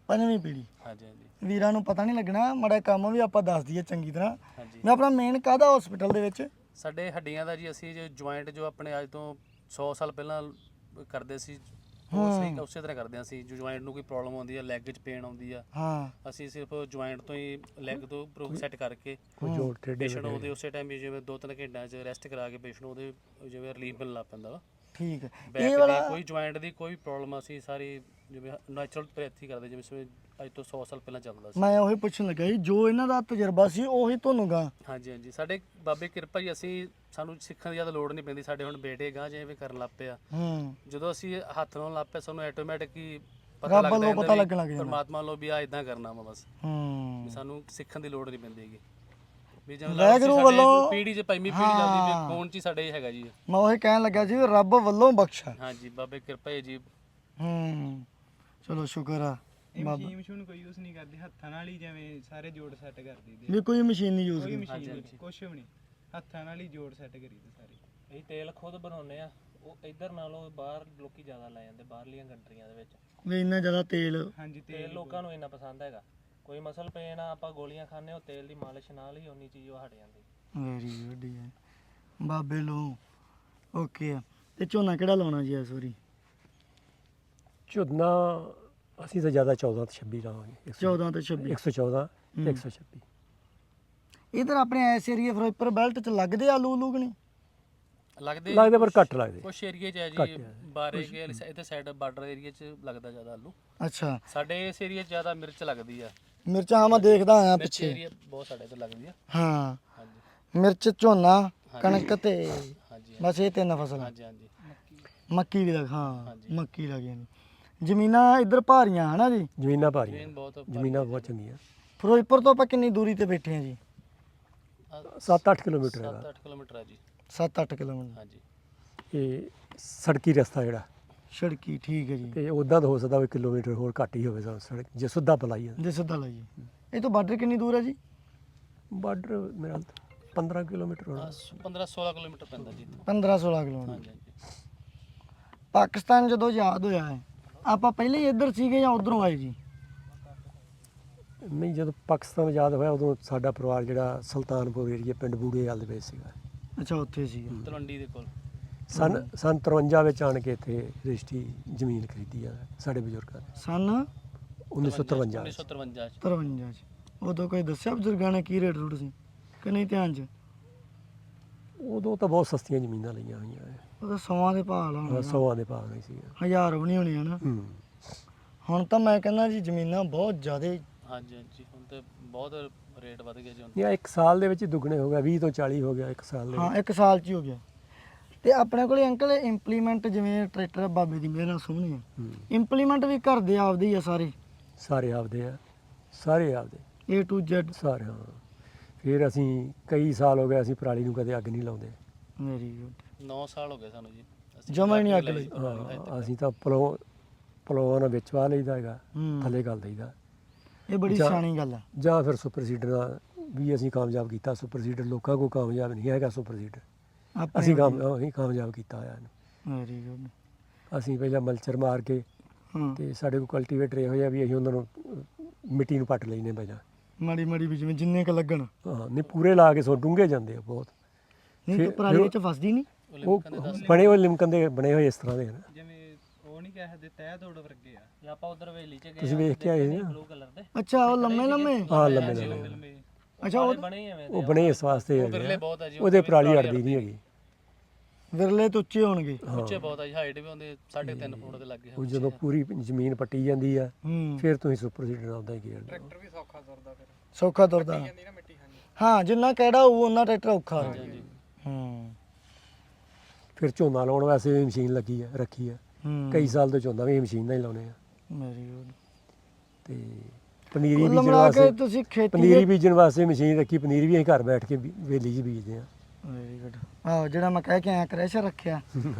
S2: ਪੰਜਵੀਂ ਪੀੜ੍ਹੀ।
S4: ਹਾਂਜੀ ਹਾਂਜੀ
S2: ਵੀਰਾਂ ਨੂੰ ਪਤਾ ਨਹੀਂ ਲੱਗਣਾ, ਮਾੜਾ ਕੰਮ ਵੀ ਆਪਾਂ ਦੱਸ ਦਈਏ ਚੰਗੀ ਤਰ੍ਹਾਂ।
S4: ਹਾਂਜੀ
S2: ਮੈਂ ਆਪਣਾ ਮੇਨ ਕਾਹਦਾ ਹਸਪੀਟਲ ਦੇ ਵਿੱਚ?
S4: ਸਾਡੇ ਹੱਡੀਆਂ ਦਾ ਜੀ ਅਸੀਂ ਜੋ ਜੁਆਇੰਟ ਜੋ ਆਪਣੇ ਅੱਜ ਤੋਂ ਸੌ ਸਾਲ ਪਹਿਲਾਂ ਕਰਦੇ ਸੀ ਉਹ ਸਹੀ ਉਸੇ ਤਰ੍ਹਾਂ ਕਰਦੇ ਹਾਂ ਅਸੀਂ। ਜੋ ਜੁਆਇੰਟ ਨੂੰ ਕੋਈ ਪ੍ਰੋਬਲਮ ਆਉਂਦੀ ਹੈ, ਲੈਗ 'ਚ ਪੇਨ ਆਉਂਦੀ ਆ,
S2: ਹਾਂ
S4: ਅਸੀਂ ਸਿਰਫ ਜੁਆਇੰਟ ਤੋਂ ਹੀ ਲੈਗ ਤੋਂ ਪ੍ਰੋ ਸੈੱਟ ਕਰਕੇ
S1: ਕੋਈ ਜੋੜ ਟੇਢੇ
S4: ਪੇਸ਼ੈਂਟ ਉਹਦੇ ਉਸੇ ਟਾਈਮ ਵੀ ਜਿਵੇਂ ਦੋ ਤਿੰਨ ਘੰਟਿਆਂ 'ਚ ਰੈਸਟ ਕਰਾ ਕੇ ਪੇਸ਼ੈਂਟ ਉਹਦੇ ਜਿਵੇਂ ਰਿਲੀਫ ਮਿਲਣ ਲੱਗ ਪੈਂਦਾ ਵਾ।
S2: ਠੀਕ ਹੈ।
S4: ਬੈਕ
S2: ਇਹ
S4: ਦੀ
S2: ਵਾਲਾ
S4: ਕੋਈ ਜੁਆਇੰਟ ਦੀ ਕੋਈ ਪ੍ਰੋਬਲਮ ਅਸੀਂ ਸਾਰੀ ਜਿਵੇਂ ਨੈਚੁਰਲ ਪ੍ਰੈਥੀ ਕਰਦੇ ਜਿਵੇਂ ਜਿਵੇਂ ਅੱਜ ਤੋਂ ਸੌ ਸਾਲ ਪਹਿਲਾਂ ਚੱਲਦਾ ਸੀ।
S2: ਮੈਂ ਉਹੀ ਪੁੱਛਣ ਲੱਗਾ ਜੀ, ਜੋ ਇਹਨਾਂ ਦਾ ਤਜਰਬਾ ਸੀ ਉਹੀ ਤੁਹਾਨੂੰ ਗਾ।
S4: ਹਾਂਜੀ ਹਾਂਜੀ ਸਾਡੇ ਬਾਬੇ ਕਿਰਪਾ ਜੀ, ਅਸੀਂ ਸਾਨੂੰ ਸਿੱਖਣ ਦੀ ਜ਼ਿਆਦਾ ਲੋੜ ਨਹੀਂ ਪੈਂਦੀ। ਸਾਡੇ ਹੁਣ ਬੇਟੇ ਗਾਂ ਜਿਵੇਂ ਕਰਨ ਲੱਗ ਪਏ ਆ,
S2: ਹੂੰ
S4: ਜਦੋਂ ਅਸੀਂ ਹੱਥ ਨਾਲ ਲੱਗ ਪਏ ਸਾਨੂੰ ਆਟੋਮੈਟਿਕ ਹੀ ਪਤਾ
S2: ਰੱਬ
S4: ਲੱਗਦਾ
S2: ਵੱਲੋਂ
S4: ਹੁੰਦਾ
S2: ਪਤਾ
S4: ਵੀ
S2: ਲੱਗਣ ਲੱਗ ਜਾਂਦਾ।
S4: ਪਰਮਾਤਮਾ ਵੱਲੋਂ ਵੀ ਆ ਇਦਾਂ ਕਰਨਾ ਵਾ ਬਸ।
S2: ਹੂੰ
S4: ਵੀ ਸਾਨੂੰ ਸਿੱਖਣ ਦੀ ਲੋੜ ਨਹੀਂ ਪੈਂਦੀ ਹੈਗੀ। ਵੀ ਜਿਵੇਂ
S2: ਵਾਹਿਗੁਰੂ
S4: ਸਾਡੇ
S2: ਵੱਲੋਂ-
S4: ਪੀੜ੍ਹੀ 'ਚ ਪੰਜਵੀਂ ਪੀੜ੍ਹੀ ਚੱਲਦੀ ਵੀ ਖੂਨ 'ਚ ਹੀ ਸਾਡੇ ਹੈਗਾ ਜੀ।
S2: ਮੈਂ ਉਹੀ ਕਹਿਣ ਲੱਗਾ ਸੀ ਵੀ ਰੱਬ ਵੱਲੋਂ ਬਖਸ਼ਾ।
S4: ਹਾਂਜੀ ਬਾਬੇ ਕਿਰਪਾ ਹੈ ਜੀ।
S2: ਹੂੰ ਚਲੋ ਸ਼ੁਕਰ ਆ
S3: ਇਹ
S2: ਬਾਬਾ।
S3: ਮਸ਼ੀਨ ਮਸ਼ੂਨ ਕੋਈ ਯੂਜ਼ ਨਹੀਂ ਕਰਦੇ, ਹੱਥਾਂ ਨਾਲ ਹੀ ਜਿਵੇਂ ਸਾਰੇ ਜੋੜ ਸੈੱਟ ਕਰ ਦਈਦੇ।
S2: ਵੀ ਕੋਈ ਮਸ਼ੀਨ ਨਹੀਂ ਯੂਜ਼
S3: ਕੋਈ
S2: ਕੀਤੀ।
S3: ਮਸ਼ੀਨ ਨਹੀਂ, ਕੁਛ ਵੀ ਨਹੀਂ, ਹੱਥਾਂ ਨਾਲ ਹੀ ਜੋੜ ਸੈੱਟ ਕਰੀਦੇ ਸਾਰੇ।
S4: ਇਹ ਤੇਲ ਖੁਦ ਬਣਾਉਂਦੇ ਆ, ਉਹ ਇੱਧਰ ਨਾਲੋਂ ਬਾਹਰ ਲੋਕੀ ਜ਼ਿਆਦਾ ਲੈ ਜਾਂਦੇ ਬਾਹਰਲੀਆਂ ਕੰਟਰੀਆਂ ਦੇ ਵਿੱਚ।
S2: ਵੀ ਇੰਨਾ ਜ਼ਿਆਦਾ ਤੇਲ।
S3: ਹਾਂਜੀ
S4: ਤੇਲ
S3: ਤੇਲ
S4: ਲੋਕਾਂ ਨੂੰ ਇੰਨਾ ਪਸੰਦ ਹੈਗਾ। ਕੋਈ ਮਸਲ ਪੇਨ ਆ ਆਪਾਂ ਗੋਲੀਆਂ ਖਾਂਦੇ, ਉਹ ਤੇਲ ਦੀ ਮਾਲਿਸ਼ ਨਾਲ ਹੀ ਉਨੀ ਚੀਜ਼ ਉਹ ਹਟ ਜਾਂਦੀ।
S2: ਵੈਰੀ ਗੁੱਡ ਹੈ ਬਾਬੇ ਲੋ। ਓਕੇ ਆ। ਤੇ ਝੋਨਾ ਕਿਹੜਾ ਲਾਉਣਾ ਜੀ ਇਸ ਵਾਰੀ?
S1: ਝੋਨਾ ਅਸੀਂ ਤਾਂ ਜ਼ਿਆਦਾ ਚੌਦਾਂ ਤੇ ਛੱਬੀ ਲਾਵਾਂਗੇ।
S2: ਚੌਦਾਂ ਤੇ ਛੱਬੀ।
S1: ਇੱਕ ਸੌ ਚੌਦਾਂ ਤੇ ਇੱਕ ਸੌ ਛੱਬੀ।
S2: ਇਧਰ ਆਪਣੇ ਐਸ ਏਰੀਆ ਫਿਰੋਜ਼ਪੁਰ ਬੈਲਟ ਚ ਲੱਗਦੇ ਆਲੂ ਉਲੂ ਕਿ ਨਹੀਂ?
S4: ਲੱਗਦੇ
S1: ਲੱਗਦੇ ਪਰ ਘੱਟ ਲੱਗਦੇ।
S4: ਕੁਛ ਏਰੀਏ 'ਚ ਹੈ
S1: ਘੱਟ
S4: ਜੀ,
S1: ਹੈ।
S4: ਬਾਰੇ ਕੇ ਇੱਥੇ ਸਾਈਡ ਬਾਰਡਰ ਏਰੀਆ 'ਚ ਲੱਗਦਾ ਜ਼ਿਆਦਾ ਆਲੂ।
S2: ਅੱਛਾ
S4: ਸਾਡੇ ਇਸ ਏਰੀਆ 'ਚ ਜ਼ਿਆਦਾ ਮਿਰਚ ਲੱਗਦੀ ਆ।
S2: ਮਿਰਚਾਂ ਹਾਂ ਮੈਂ ਦੇਖਦਾ ਆਇਆ
S4: ਮਿਰਚ
S2: ਪਿੱਛੇ।
S4: ਏਰੀਆ ਬਹੁਤ ਸਾਡੇ ਤੇ ਲੱਗਦੀ ਆ।
S2: ਹਾਂ
S4: ਹਾਂਜੀ
S2: ਮਿਰਚ, ਝੋਨਾ, ਕਣਕ ਤੇ
S4: ਹਾਂਜੀ
S2: ਬਸ ਇਹ ਤਿੰਨ ਫਸਲਾਂ।
S4: ਹਾਂਜੀ ਹਾਂਜੀ
S2: ਮੱਕੀ ਵੀ ਲੱਗ, ਹਾਂ
S4: ਹਾਂਜੀ।
S2: ਮੱਕੀ ਲੱਗ ਜਾਂਦੀ। ਜ਼ਮੀਨਾਂ ਇੱਧਰ ਭਾਰੀਆਂ ਹਨਾ ਜੀ?
S1: ਜ਼ਮੀਨਾਂ ਭਾਰੀਆਂ,
S4: ਜ਼ਮੀਨ ਬਹੁਤ
S1: ਜ਼ਮੀਨਾਂ ਬਹੁਤ ਚੰਗੀਆਂ।
S2: ਫਿਰੋਜ਼ਪੁਰ ਤੋਂ ਆਪਾਂ ਕਿੰਨੀ ਦੂਰੀ ਤੇ ਬੈਠੇ ਆ ਜੀ?
S1: ਸੱਤ ਅੱਠ ਕਿਲੋਮੀਟਰ
S4: ਸੱਤ
S1: ਹੈਗਾ
S4: ਅੱਠ ਕਿਲੋਮੀਟਰ ਆ ਜੀ।
S2: ਸੱਤ ਅੱਠ ਕਿਲੋਮੀਟਰ।
S4: ਹਾਂਜੀ
S1: ਇਹ ਸੜਕੀ ਰਸਤਾ ਜਿਹੜਾ।
S2: ਸੜਕੀ ਠੀਕ ਹੈ ਜੀ।
S1: ਤੇ ਉਦਾਂ ਤਾਂ ਹੋ ਸਕਦਾ ਵੀ ਕਿਲੋਮੀਟਰ ਹੋਰ ਘੱਟ ਹੀ ਹੋਵੇ ਸਾਨੂੰ ਸੜਕ ਜੇ ਸਿੱਧਾ ਪਲਾਈ ਹੈ।
S2: ਜੇ ਸਿੱਧਾ ਲਾਈਏ ਇਹ ਤੋਂ ਬਾਰਡਰ ਕਿੰਨੀ ਦੂਰ ਹੈ ਜੀ?
S1: ਬਾਰਡਰ ਮੇਰਾ ਪੰਦਰਾਂ ਕਿਲੋਮੀਟਰ ਹੋਣਾ।
S4: ਪੰਦਰਾਂ ਸੋਲਾਂ ਕਿਲੋਮੀਟਰ ਪੈਂਦਾ ਜੀ ਇੱਥੋਂ।
S2: ਪੰਦਰਾਂ ਸੋਲਾਂ ਕਿਲੋਮੀਟਰ।
S4: ਹਾਂਜੀ ਹਾਂਜੀ
S2: ਪਾਕਿਸਤਾਨ ਜਦੋਂ ਆਜ਼ਾਦ ਹੋਇਆ ਹੈ ਆਪਾਂ ਪਹਿਲੇ ਹੀ ਇੱਧਰ ਸੀਗੇ ਜਾਂ ਉਧਰੋਂ ਆਏ ਜੀ?
S1: ਨਹੀਂ, ਜਦੋਂ ਪਾਕਿਸਤਾਨ ਆਜ਼ਾਦ ਹੋਇਆ ਉਦੋਂ ਸਾਡਾ ਪਰਿਵਾਰ ਜਿਹੜਾ ਸੁਲਤਾਨਪੁਰ ਏਰੀਆ ਪਿੰਡ ਬੂੜੇ ਵਾਲ ਦੇ ਵਿੱਚ ਸੀਗਾ।
S2: ਅੱਛਾ ਉੱਥੇ ਸੀਗੇ।
S4: ਤਲਵੰਡੀ ਦੇ ਕੋਲ।
S1: ਸਨ ਸਨ ਤਰਵੰਜਾ ਵਿੱਚ ਆਣ ਕੇ ਇੱਥੇ ਰਜਿਸਟਰੀ ਜ਼ਮੀਨ ਖਰੀਦੀ ਆ ਸਾਡੇ ਬਜ਼ੁਰਗਾਂ ਨੇ
S2: ਸਨ
S1: ਉੱਨੀ ਸੌ ਤਰਵੰਜਾ
S4: ਉੱਨੀ
S1: ਵਿੱਚ।
S4: ਸੌ ਤਰਵੰਜਾ 'ਚ।
S2: ਤਰਵੰਜਾ ਚ। ਉਦੋਂ ਕੋਈ ਦੱਸਿਆ ਬਜ਼ੁਰਗਾਂ ਨੇ ਕੀ ਰੇਟ ਰੂਟ ਸੀ ਕਿ ਨਹੀਂ ਧਿਆਨ ਚ?
S1: ਉਦੋਂ ਤਾਂ ਬਹੁਤ ਸਸਤੀਆਂ ਜ਼ਮੀਨਾਂ ਲਈਆਂ ਹੋਈਆਂ ਨੇ।
S2: ਉਹ ਤਾਂ ਸੌਆਂ ਦੇ ਭਾਅ ਲਾਉਣਾ
S1: ਸੌਆਂ ਦੇ ਭਾਅ ਨਹੀਂ ਸੀ।
S2: ਹਜ਼ਾਰ ਵੀ ਨਹੀਂ ਹੋਣੀ ਹਨਾ।
S1: ਹੂੰ
S2: ਹੁਣ ਤਾਂ ਮੈਂ ਕਹਿੰਦਾ ਜੀ ਜ਼ਮੀਨਾਂ ਬਹੁਤ ਜ਼ਿਆਦਾ।
S4: ਹਾਂਜੀ ਹਾਂਜੀ ਹੁਣ ਤੇ ਬਹੁਤ ਰੇਟ ਵਧ ਗਿਆ ਜੀ ਹੁਣ।
S1: ਇਹ ਇੱਕ ਸਾਲ ਦੇ ਵਿੱਚ ਹੀ ਦੁੱਗਣੇ ਹੋ ਗਿਆ, ਵੀਹ ਤੋਂ ਚਾਲੀ ਹੋ ਗਿਆ ਇੱਕ ਸਾਲ ਦੇ
S2: ਹਾਂ
S1: ਵਿੱਚ।
S2: ਇੱਕ ਸਾਲ ਚ ਹੀ ਹੋ ਗਿਆ। ਤੇ ਆਪਣੇ ਕੋਲੇ ਅੰਕਲ ਇੰਪਲੀਮੈਂਟ ਜਿਵੇਂ ਟਰੈਕਟਰ ਬਾਬੇ ਦੀ ਮਿਹਰ ਨਾਲ ਸੋਹਣੇ ਆ,
S1: ਹੂੰ।
S2: ਇੰਪਲੀਮੈਂਟ ਵੀ ਘਰ ਦੇ ਆਪਦੇ ਹੀ ਆ ਸਾਰੇ?
S1: ਸਾਰੇ ਆਪਦੇ ਆ, ਸਾਰੇ ਆਪਦੇ
S2: A to Z।
S1: ਸਾਰੇ। ਹਾਂ ਫਿਰ ਅਸੀਂ ਕਈ ਸਾਲ ਹੋ ਗਏ ਅਸੀਂ ਪਰਾਲੀ ਨੂੰ ਕਦੇ ਅੱਗ ਨਹੀਂ ਲਾਉਂਦੇ।
S2: Very good.
S4: ਨੌ ਸਾਲ ਹੋ ਗਏ ਸਾਨੂੰ ਜੀ। ਅਸੀਂ
S2: ਜਮਾਂ ਹੀ ਨਹੀਂ ਅੱਗ
S4: ਲਾਈ
S2: ਲਾਈ।
S4: ਪਰਾਲੀ ਹਜੇ ਤੱਕ।
S1: ਹਾਂ, ਅਸੀਂ ਤਾਂ ਪਲੋ ਪਲੋਆਂ ਨਾਲ ਵਿੱਚ ਵਾ ਲਈਦਾ ਹੈਗਾ,
S2: ਹੂੰ
S1: ਥੱਲੇ ਗੱਲ ਦਈਦਾ।
S2: ਇਹ ਬੜੀ
S1: ਜਾਂ-
S2: ਸਿਆਣੀ ਗੱਲ ਆ।
S1: ਜਾਂ ਫਿਰ ਸੁਪਰ ਸੀਡਰ ਨਾਲ ਵੀ ਅਸੀਂ ਕਾਮਯਾਬ ਕੀਤਾ। ਸੁਪਰ ਸੀਡਰ ਲੋਕਾਂ ਕੋਲ ਕਾਮਯਾਬ ਨਹੀਂ ਹੈਗਾ। ਸੁਪਰ ਸੀਡਰ ਅਸੀਂ ਕਾਮ ਅਸੀਂ ਕਾਮਯਾਬ ਕੀਤਾ ਹੋਇਆ ਇਹਨੂੰ।
S2: Very good.
S1: ਅਸੀਂ ਪਹਿਲਾਂ ਮਲਚਰ ਮਾਰ ਕੇ
S2: ਹਾਂ
S1: ਤੇ ਸਾਡੇ ਕੋਲ ਕਲਟੀਵੇਟਰ ਇਹੋ ਜਿਹਾ ਵੀ ਅਸੀਂ ਉਹਨਾਂ ਨੂੰ ਅਹ, ਮਿੱਟੀ ਨੂੰ ਪੱਟ ਲੈਨੇ ਪਹਿਲਾਂ।
S2: ਮਾੜੀ ਮਾੜੀ ਵੀ ਜਿਵੇਂ ਜਿੰਨੇ ਕ ਲੱਗਣ।
S1: ਹਾਂ ਨਹੀਂ, ਪੂਰੇ ਲਾ ਕੇ ਸੋ ਡੂੰਘੇ ਜਾਂਦੇ ਆ ਬਹੁਤ।
S2: ਨਹੀਂ
S1: ਫਿਰ-
S2: ਤਾਂ ਪਰਾਲੀ
S1: ਫਿਰ-
S2: ਚ ਫਸਦੀ ਨਹੀਂ?
S1: ਉਹ ਬਣੇ ਹੋਏ ਲਿਮਕਨ ਦੇ ਬਣੇ ਹੋਏ ਇਸ ਤਰ੍ਹਾਂ ਦੇ ਹਨ।
S3: ਜਿਵੇਂ ਉਹ ਨਹੀਂ ਕਹਿ ਸਕਦੇ ਤਹਿ ਤੋੜ ਵਰਗੇ ਆ।
S4: ਜੇ ਆਪਾਂ ਉਧਰ ਵੇਲੀ 'ਚ ਗਏ
S1: ਤੁਸੀਂ ਵੇਖ ਕੇ ਆਏ ਸੀ ਨਾ?
S4: ਬਲੂ ਕਲਰ ਦੇ
S2: ਅੱਛਾ ਉਹ ਲੰਮੇ ਲੰਮੇ।
S1: ਹਾਂ ਲੰਮੇ ਲੰਮੇ
S3: ਫਿਲਮੇ
S2: ਅੱਛਾ ਉਹ
S4: ਬਣੇ ਹੀ ਐਵੇਂ
S1: ਉਹ ਬਣੇ ਇਸ ਵਾਸਤੇ
S4: ਉਹ
S1: ਹੈਗੇ
S4: ਵਿਰਲੇ
S1: ਆ।
S4: ਬਹੁਤ ਆ ਜੀ।
S1: ਉਹਦੇ ਪਰਾਲੀ ਅੜਦੀ ਨਹੀਂ ਹੈਗੀ।
S2: ਵਿਰਲੇ ਤੋਂ ਉੱਚੇ ਹੋਣਗੇ।
S4: ਉੱਚੇ ਬਹੁਤ ਆ ਜੀ, ਹਾਈਟ ਵੀ ਹੁੰਦੇ ਸਾਢੇ ਤਿੰਨ ਫੁੱਟ ਦੇ ਲੱਗੇ।
S1: ਉਹ ਜਦੋਂ ਪੂਰੀ ਜ਼ਮੀਨ ਪੱਟੀ ਜਾਂਦੀ ਆ
S2: ਹੂੰ
S1: ਫਿਰ ਤੁਸੀਂ ਸੁਪਰ ਸੀਡਰ ਨਾਲ ਉਦਾਂ ਹੀ ਗੇੜਦੇ ਹੋ।
S3: ਟਰੈਕਟਰ ਵੀ ਸੌਖਾ ਤੁਰਦਾ ਫਿਰ।
S2: ਸੌਖਾ ਤੁਰਦਾ।
S3: ਜਾਂਦੀ ਨਾ ਮਿੱਟੀ। ਹਾਂਜੀ
S2: ਹਾਂ ਜਿੰਨਾ ਕਿਹੜਾ ਉਹ ਉਹਨਾਂ ਟਰੈਕਟਰ ਔਖਾ ਹੋ
S4: ਹਾਂਜੀ
S2: ਹੂੰ
S1: ਫਿਰ ਝੋਨਾ ਲਾਉਣ ਵਾਸਤੇ ਵੀ ਮਸ਼ੀਨ ਲੱਗੀ ਆ, ਰੱਖੀ ਆ।
S2: ਹੂੰ
S1: ਕਈ ਸਾਲ ਤੋਂ ਝੋਨਾ ਵੀ ਮਸ਼ੀਨ ਨਾਲ ਹੀ ਲਾਉਣੇ ਆ।
S2: Very good.
S1: ਤੇ ਪਨੀਰੀ
S2: ਕੁੱਲ
S1: ਬੀਜਣ
S2: ਮਿਲਾ ਕੇ
S1: ਵਾਸਤੇ
S2: ਤੁਸੀਂ ਖੇਤੀ
S1: ਪਨੀਰੀ ਬੀਜਣ ਵਾਸਤੇ ਮਸ਼ੀਨ ਰੱਖੀ। ਪਨੀਰ ਵੀ ਅਸੀਂ ਘਰ ਬੈਠ ਕੇ ਬੀ- ਵੇਲੀ 'ਚ ਬੀਜਦੇ ਆ।
S2: Very good. ਆਹੋ ਜਿਹੜਾ ਮੈਂ ਕਹਿ ਕੇ ਆਇਆ ਕ੍ਰੈਸ਼ਰ ਰੱਖਿਆ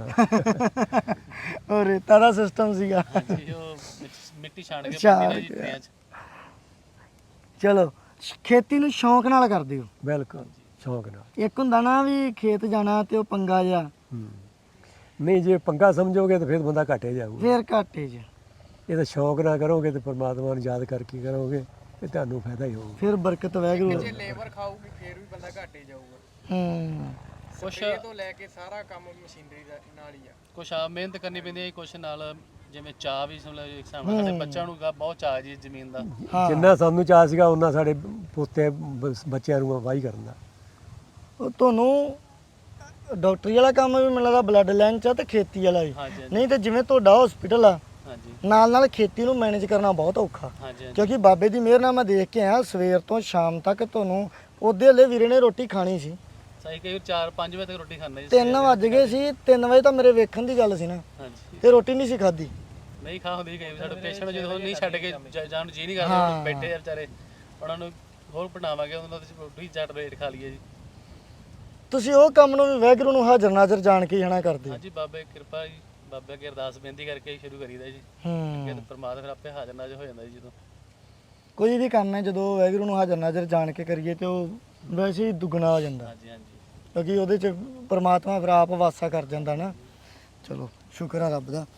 S2: ਉਹ ਰੇਤਾ ਦਾ ਸਿਸਟਮ ਸੀਗਾ।
S4: ਹਾਂਜੀ ਉਹ ਮਿੱਟੀ- ਮਿੱਟੀ ਛਾਣ ਕੇ
S2: ਛਾਣ
S4: ਪੱਟੀ ਦੇ ਜੀ
S2: ਕੇ।
S4: ਟਰੇਆਂ 'ਚ।
S2: ਚਲੋ ਖੇਤੀ ਨੂੰ ਸ਼ੌਂਕ ਨਾਲ ਕਰਦੇ ਹੋ?
S1: ਬਿਲਕੁਲ ਸ਼ੌਂਕ ਨਾਲ।
S2: ਇੱਕ ਹੁੰਦਾ ਨਾ ਵੀ ਖੇਤ ਜਾਣਾ ਤੇ ਉਹ ਪੰਗਾ ਜਿਹਾ,
S1: ਹੂੰ। ਨਹੀਂ ਜੇ ਪੰਗਾ ਸਮਝੋਗੇ ਤਾਂ ਫਿਰ ਬੰਦਾ ਘਾਟੇ ਜਾਊਗਾ।
S2: ਫੇਰ ਘਾਟੇ 'ਚ।
S1: ਇਹਦਾ ਸ਼ੌਕ ਨਾ ਕਰੋਗੇ ਤੇ ਪਰਮਾਤਮਾ ਨੂੰ ਯਾਦ ਕਰਕੇ ਕਰੋਗੇ ਤੇ ਤੁਹਾਨੂੰ ਫਾਇਦਾ ਹੀ ਹੋਊਗਾ।
S2: ਫਿਰ ਬਰਕਤ ਵੈਗਰੂ
S5: ਜੇ ਲੇਬਰ ਖਾਊਗੀ ਫੇਰ ਵੀ ਬੰਦਾ ਘਾਟੇ ਜਾਊਗਾ।
S2: ਹੂੰ
S5: ਕੁਛ ਤੋਂ ਲੈ ਕੇ ਸਾਰਾ ਕੰਮ ਮਸ਼ੀਨਰੀ ਦਾ ਨਾਲ ਹੀ ਆ।
S6: ਕੁਛ ਆ ਮਿਹਨਤ ਕਰਨੀ ਪੈਂਦੀ ਹੈ, ਕੁਛ ਨਾਲ ਜਿਵੇਂ ਚਾਹ ਵੀ ਸਮਝ ਇੱਕ ਹਿਸਾਬ ਨਾਲ ਸਾਡੇ ਬੱਚਿਆਂ ਨੂੰ ਗਾ ਬਹੁਤ ਚਾਹ ਜੀ ਜ਼ਮੀਨ ਦਾ।
S2: ਹਾਂ
S1: ਜਿੰਨਾ ਸਾਨੂੰ ਚਾਅ ਸੀਗਾ ਉਹਨਾਂ ਸਾਡੇ ਪੋਤੇ ਬ- ਬੱਚਿਆਂ ਨੂੰ ਵਾਹੀ ਕਰਨ ਦਾ।
S2: ਉਹ ਤੁਹਾਨੂੰ ਡਾਕਟਰੀ ਵਾਲਾ ਕੰਮ ਵੀ ਮੈਨੂੰ ਲੱਗਦਾ ਬਲੱਡ ਲਾਈਨ ਚ ਆ ਤੇ ਖੇਤੀ ਵਾਲਾ ਵੀ।
S6: ਹਾਂਜੀ ਹਾਂਜੀ
S2: ਨਹੀਂ ਤੇ ਜਿਵੇਂ ਤੁਹਾਡਾ ਹਸਪੀਟਲ ਆ
S6: ਹਾਂਜੀ
S2: ਨਾਲ ਨਾਲ ਖੇਤੀ ਨੂੰ ਮੈਨੇਜ ਕਰਨਾ ਬਹੁਤ ਔਖਾ,
S6: ਹਾਂਜੀ
S2: ਕਿਉਂਕਿ ਬਾਬੇ ਦੀ ਮਿਹਰ ਨਾਲ ਮੈਂ ਦੇਖ ਕੇ ਆਇਆ ਸਵੇਰ ਤੋਂ ਸ਼ਾਮ ਤੱਕ ਤੁਹਾਨੂੰ ਉਹਦੇ ਹਲੇ ਵੀਰੇ ਨੇ ਰੋਟੀ ਖਾਣੀ ਸੀ।
S6: ਸਹੀ ਕਈ ਚਾਰ ਪੰਜ ਵਜੇ ਤੱਕ ਰੋਟੀ ਖਾਂਦੇ ਜੀ।
S2: ਤਿੰਨ ਵੱਜ ਗਏ ਸੀ, ਤਿੰਨ ਵਜੇ ਤਾਂ ਮੇਰੇ ਵੇਖਣ ਦੀ ਗੱਲ ਸੀ ਨਾ,
S6: ਹਾਂਜੀ
S2: ਤੇ ਰੋਟੀ ਨਹੀਂ ਸੀ ਖਾਧੀ।
S6: ਨਹੀਂ ਖਾ ਹੁੰਦੀ ਕਈ ਵਾਰ ਸਾਡੇ ਪੇਸ਼ੈਂਟ ਜਦੋਂ ਨਹੀਂ ਛੱਡ ਕੇ ਜ- ਜਾਣ ਨੂੰ ਜੀ ਨਹੀਂ ਕਰਦੇ
S2: ਹਾਂ।
S6: ਉਹ ਬੈਠੇ ਆ ਵਿਚਾਰੇ, ਉਹਨਾਂ ਨੂੰ ਹੋਰ ਬਣਾਵਾਂਗੇ ਉਹਨਾਂ ਦੀ ਰੋਟੀ ਚੱਟ ਰੇਟ ਖਾ ਲਈਏ ਜੀ।
S2: ਤੁਸੀਂ ਉਹ ਕੰਮ ਨੂੰ ਵੀ ਵਾਹਿਗੁਰੂ ਨੂੰ ਹਾਜ਼ਰ ਨਾਜ਼ਰ ਜਾਣ ਕੇ ਜਾਣਾ ਕਰਦੇ ਹੋ।
S6: ਹਾਂਜੀ ਬਾਬੇ ਕਿਰਪਾ ਜੀ, ਬਾਬੇ ਅੱਗੇ ਅਰਦਾਸ ਬੇਨਤੀ ਕਰਕੇ ਹੀ ਸ਼ੁਰੂ ਕਰੀਦਾ ਜੀ।
S2: ਹੂੰ
S6: ਫਿਰ ਪਰਮਾਤਮਾ ਫਿਰ ਆਪੇ ਹਾਜ਼ਰ ਨਾਜ਼ਰ ਹੋ ਜਾਂਦਾ ਜੀ ਜਦੋਂ।
S2: ਕੋਈ ਵੀ ਕੰਮ ਹੈ ਜਦੋਂ ਵਾਹਿਗੁਰੂ ਨੂੰ ਹਾਜ਼ਰ ਨਾਜ਼ਰ ਜਾਣ ਕੇ ਕਰੀਏ ਤੇ ਉਹ ਵੈਸੇ ਹੀ ਦੁੱਗਣਾ ਹੋ ਜਾਂਦਾ,
S6: ਹਾਂਜੀ ਹਾਂਜੀ
S2: ਕਿਉਂਕਿ ਉਹਦੇ ਚ ਪਰਮਾਤਮਾ ਫਿਰ ਆਪ ਵਾਸਾ ਕਰ ਜਾਂਦਾ ਨਾ। ਚਲੋ ਸ਼ੁਕਰ ਆ ਰੱਬ ਦਾ।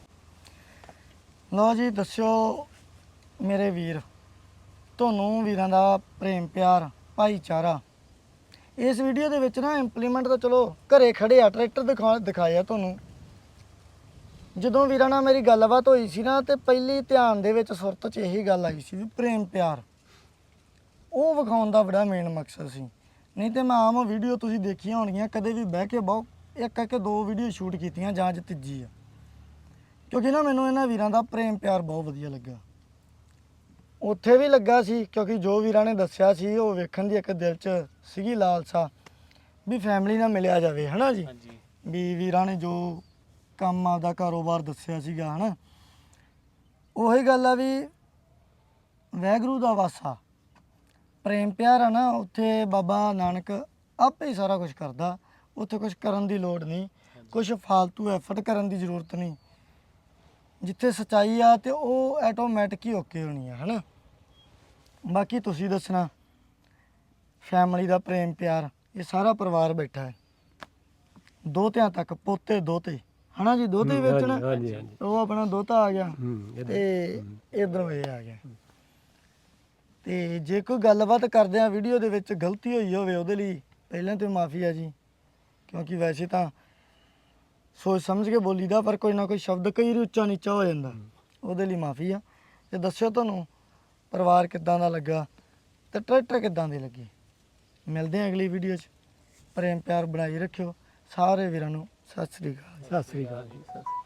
S2: ਲਓ ਜੀ ਦੱਸਿਓ ਮੇਰੇ ਵੀਰ, ਤੁਹਾਨੂੰ ਵੀਰਾਂ ਦਾ ਪ੍ਰੇਮ ਪਿਆਰ ਭਾਈਚਾਰਾ ਇਸ ਵੀਡੀਓ ਦੇ ਵਿੱਚ ਨਾ ਇੰਪਲੀਮੈਂਟ ਤਾਂ ਚਲੋ ਘਰੇ ਖੜੇ ਆ ਟਰੈਕਟਰ ਦਿਖਾ ਦਿਖਾਇਆ ਤੁਹਾਨੂੰ। ਜਦੋਂ ਵੀਰਾਂ ਨਾਲ ਮੇਰੀ ਗੱਲਬਾਤ ਹੋਈ ਸੀ ਨਾ ਤੇ ਪਹਿਲੀ ਧਿਆਨ ਦੇ ਵਿੱਚ ਸੁਰਤ 'ਚ ਇਹੀ ਗੱਲ ਆਈ ਸੀ ਵੀ ਪ੍ਰੇਮ ਪਿਆਰ ਉਹ ਵਿਖਾਉਣ ਦਾ ਬੜਾ ਮੇਨ ਮਕਸਦ ਸੀ। ਨਹੀਂ ਤੇ ਮੈਂ ਆਮ ਵੀਡੀਓ ਤੁਸੀਂ ਦੇਖੀਆਂ ਹੋਣਗੀਆਂ, ਕਦੇ ਵੀ ਬਹਿ ਕੇ ਬਹੁਤ ਇੱਕ ਇੱਕ ਦੋ ਵੀਡੀਓ ਸ਼ੂਟ ਕੀਤੀਆਂ ਜਾਂ ਅੱਜ ਤੀਜੀ ਆ, ਕਿਉਂਕਿ ਨਾ ਮੈਨੂੰ ਇਹਨਾਂ ਵੀਰਾਂ ਦਾ ਪ੍ਰੇਮ ਪਿਆਰ ਬਹੁਤ ਵਧੀਆ ਲੱਗਾ। ਉੱਥੇ ਵੀ ਲੱਗਾ ਸੀ ਕਿਉਂਕਿ ਜੋ ਵੀਰਾਂ ਨੇ ਦੱਸਿਆ ਸੀ ਉਹ ਵੇਖਣ ਦੀ ਇੱਕ ਦਿਲ 'ਚ ਸੀਗੀ ਲਾਲਸਾ ਵੀ ਫੈਮਿਲੀ ਨਾਲ ਮਿਲਿਆ ਜਾਵੇ, ਹਨਾ ਜੀ।
S6: ਹਾਂਜੀ
S2: ਵੀ ਵੀਰਾਂ ਨੇ ਜੋ ਕੰਮ ਆਪਦਾ ਕਾਰੋਬਾਰ ਦੱਸਿਆ ਸੀਗਾ ਹਨਾ, ਉਹੀ ਗੱਲ ਆ ਵੀ ਵਾਹਿਗੁਰੂ ਦਾ ਵਾਸਾ ਪ੍ਰੇਮ ਪਿਆਰ ਆ ਨਾ, ਉੱਥੇ ਬਾਬਾ ਨਾਨਕ ਆਪੇ ਹੀ ਸਾਰਾ ਕੁਝ ਕਰਦਾ। ਉੱਥੇ ਕੁਝ ਕਰਨ ਦੀ ਲੋੜ ਨਹੀਂ, ਕੁਝ ਫਾਲਤੂ ਐਫਰਟ ਕਰਨ ਦੀ ਜ਼ਰੂਰਤ ਨਹੀਂ। ਜਿੱਥੇ ਸੱਚਾਈ ਆ ਤੇ ਉਹ ਆਟੋਮੈਟਿਕ ਹੀ ਓਕੇ ਹੋਣੀ ਆ ਹਨਾ। ਬਾਕੀ ਤੁਸੀਂ ਦੱਸਣਾ, ਫੈਮਿਲੀ ਦਾ ਪ੍ਰੇਮ ਪਿਆਰ, ਇਹ ਸਾਰਾ ਪਰਿਵਾਰ ਬੈਠਾ ਹੈ, ਦੋਤਿਆਂ ਤੱਕ, ਪੋਤੇ ਦੋਤੇ ਹਨਾ ਜੀ, ਦੋਤੇ ਵਿੱਚ ਨਾ
S1: ਹਾਂਜੀ ਹਾਂਜੀ
S2: ਉਹ ਆਪਣਾ ਦੋਤਾ ਆ ਗਿਆ
S1: ਹੂੰ ਇਹਦਾ-
S2: ਤੇ ਇਧਰੋਂ ਇਹ ਆ ਗਿਆ। ਤੇ ਜੇ ਕੋਈ ਗੱਲਬਾਤ ਕਰਦੇ ਆ ਵੀਡੀਓ ਦੇ ਵਿੱਚ ਗਲਤੀ ਹੋਈ ਹੋਵੇ ਉਹਦੇ ਲਈ ਪਹਿਲਾਂ ਤੇ ਮਾਫੀ ਆ ਜੀ, ਕਿਉਂਕਿ ਵੈਸੇ ਤਾਂ ਸੋਚ ਸਮਝ ਕੇ ਬੋਲੀਦਾ, ਪਰ ਕੋਈ ਨਾ ਕੋਈ ਸ਼ਬਦ ਕਈ ਵਾਰੀ ਉੱਚਾ ਨੀਚਾ ਹੋ ਜਾਂਦਾ, ਉਹਦੇ ਲਈ ਮਾਫੀ ਆ। ਤੇ ਦੱਸਿਓ ਤੁਹਾਨੂੰ ਪਰਿਵਾਰ ਕਿੱਦਾਂ ਦਾ ਲੱਗਾ ਤੇ ਟਰੈਕਟਰ ਕਿੱਦਾਂ ਦੇ ਲੱਗੇ। ਮਿਲਦੇ ਆ ਅਗਲੀ ਵੀਡੀਓ 'ਚ। ਪ੍ਰੇਮ ਪਿਆਰ ਬਣਾਈ ਰੱਖਿਓ। ਸਾਰੇ ਵੀਰਾਂ ਨੂੰ ਸਤਿ ਸ੍ਰੀ ਅਕਾਲ।
S1: ਸਤਿ ਸ੍ਰੀ ਅਕਾਲ ਜੀ, ਸਤਿ ਸ੍ਰੀ ਅਕਾਲ।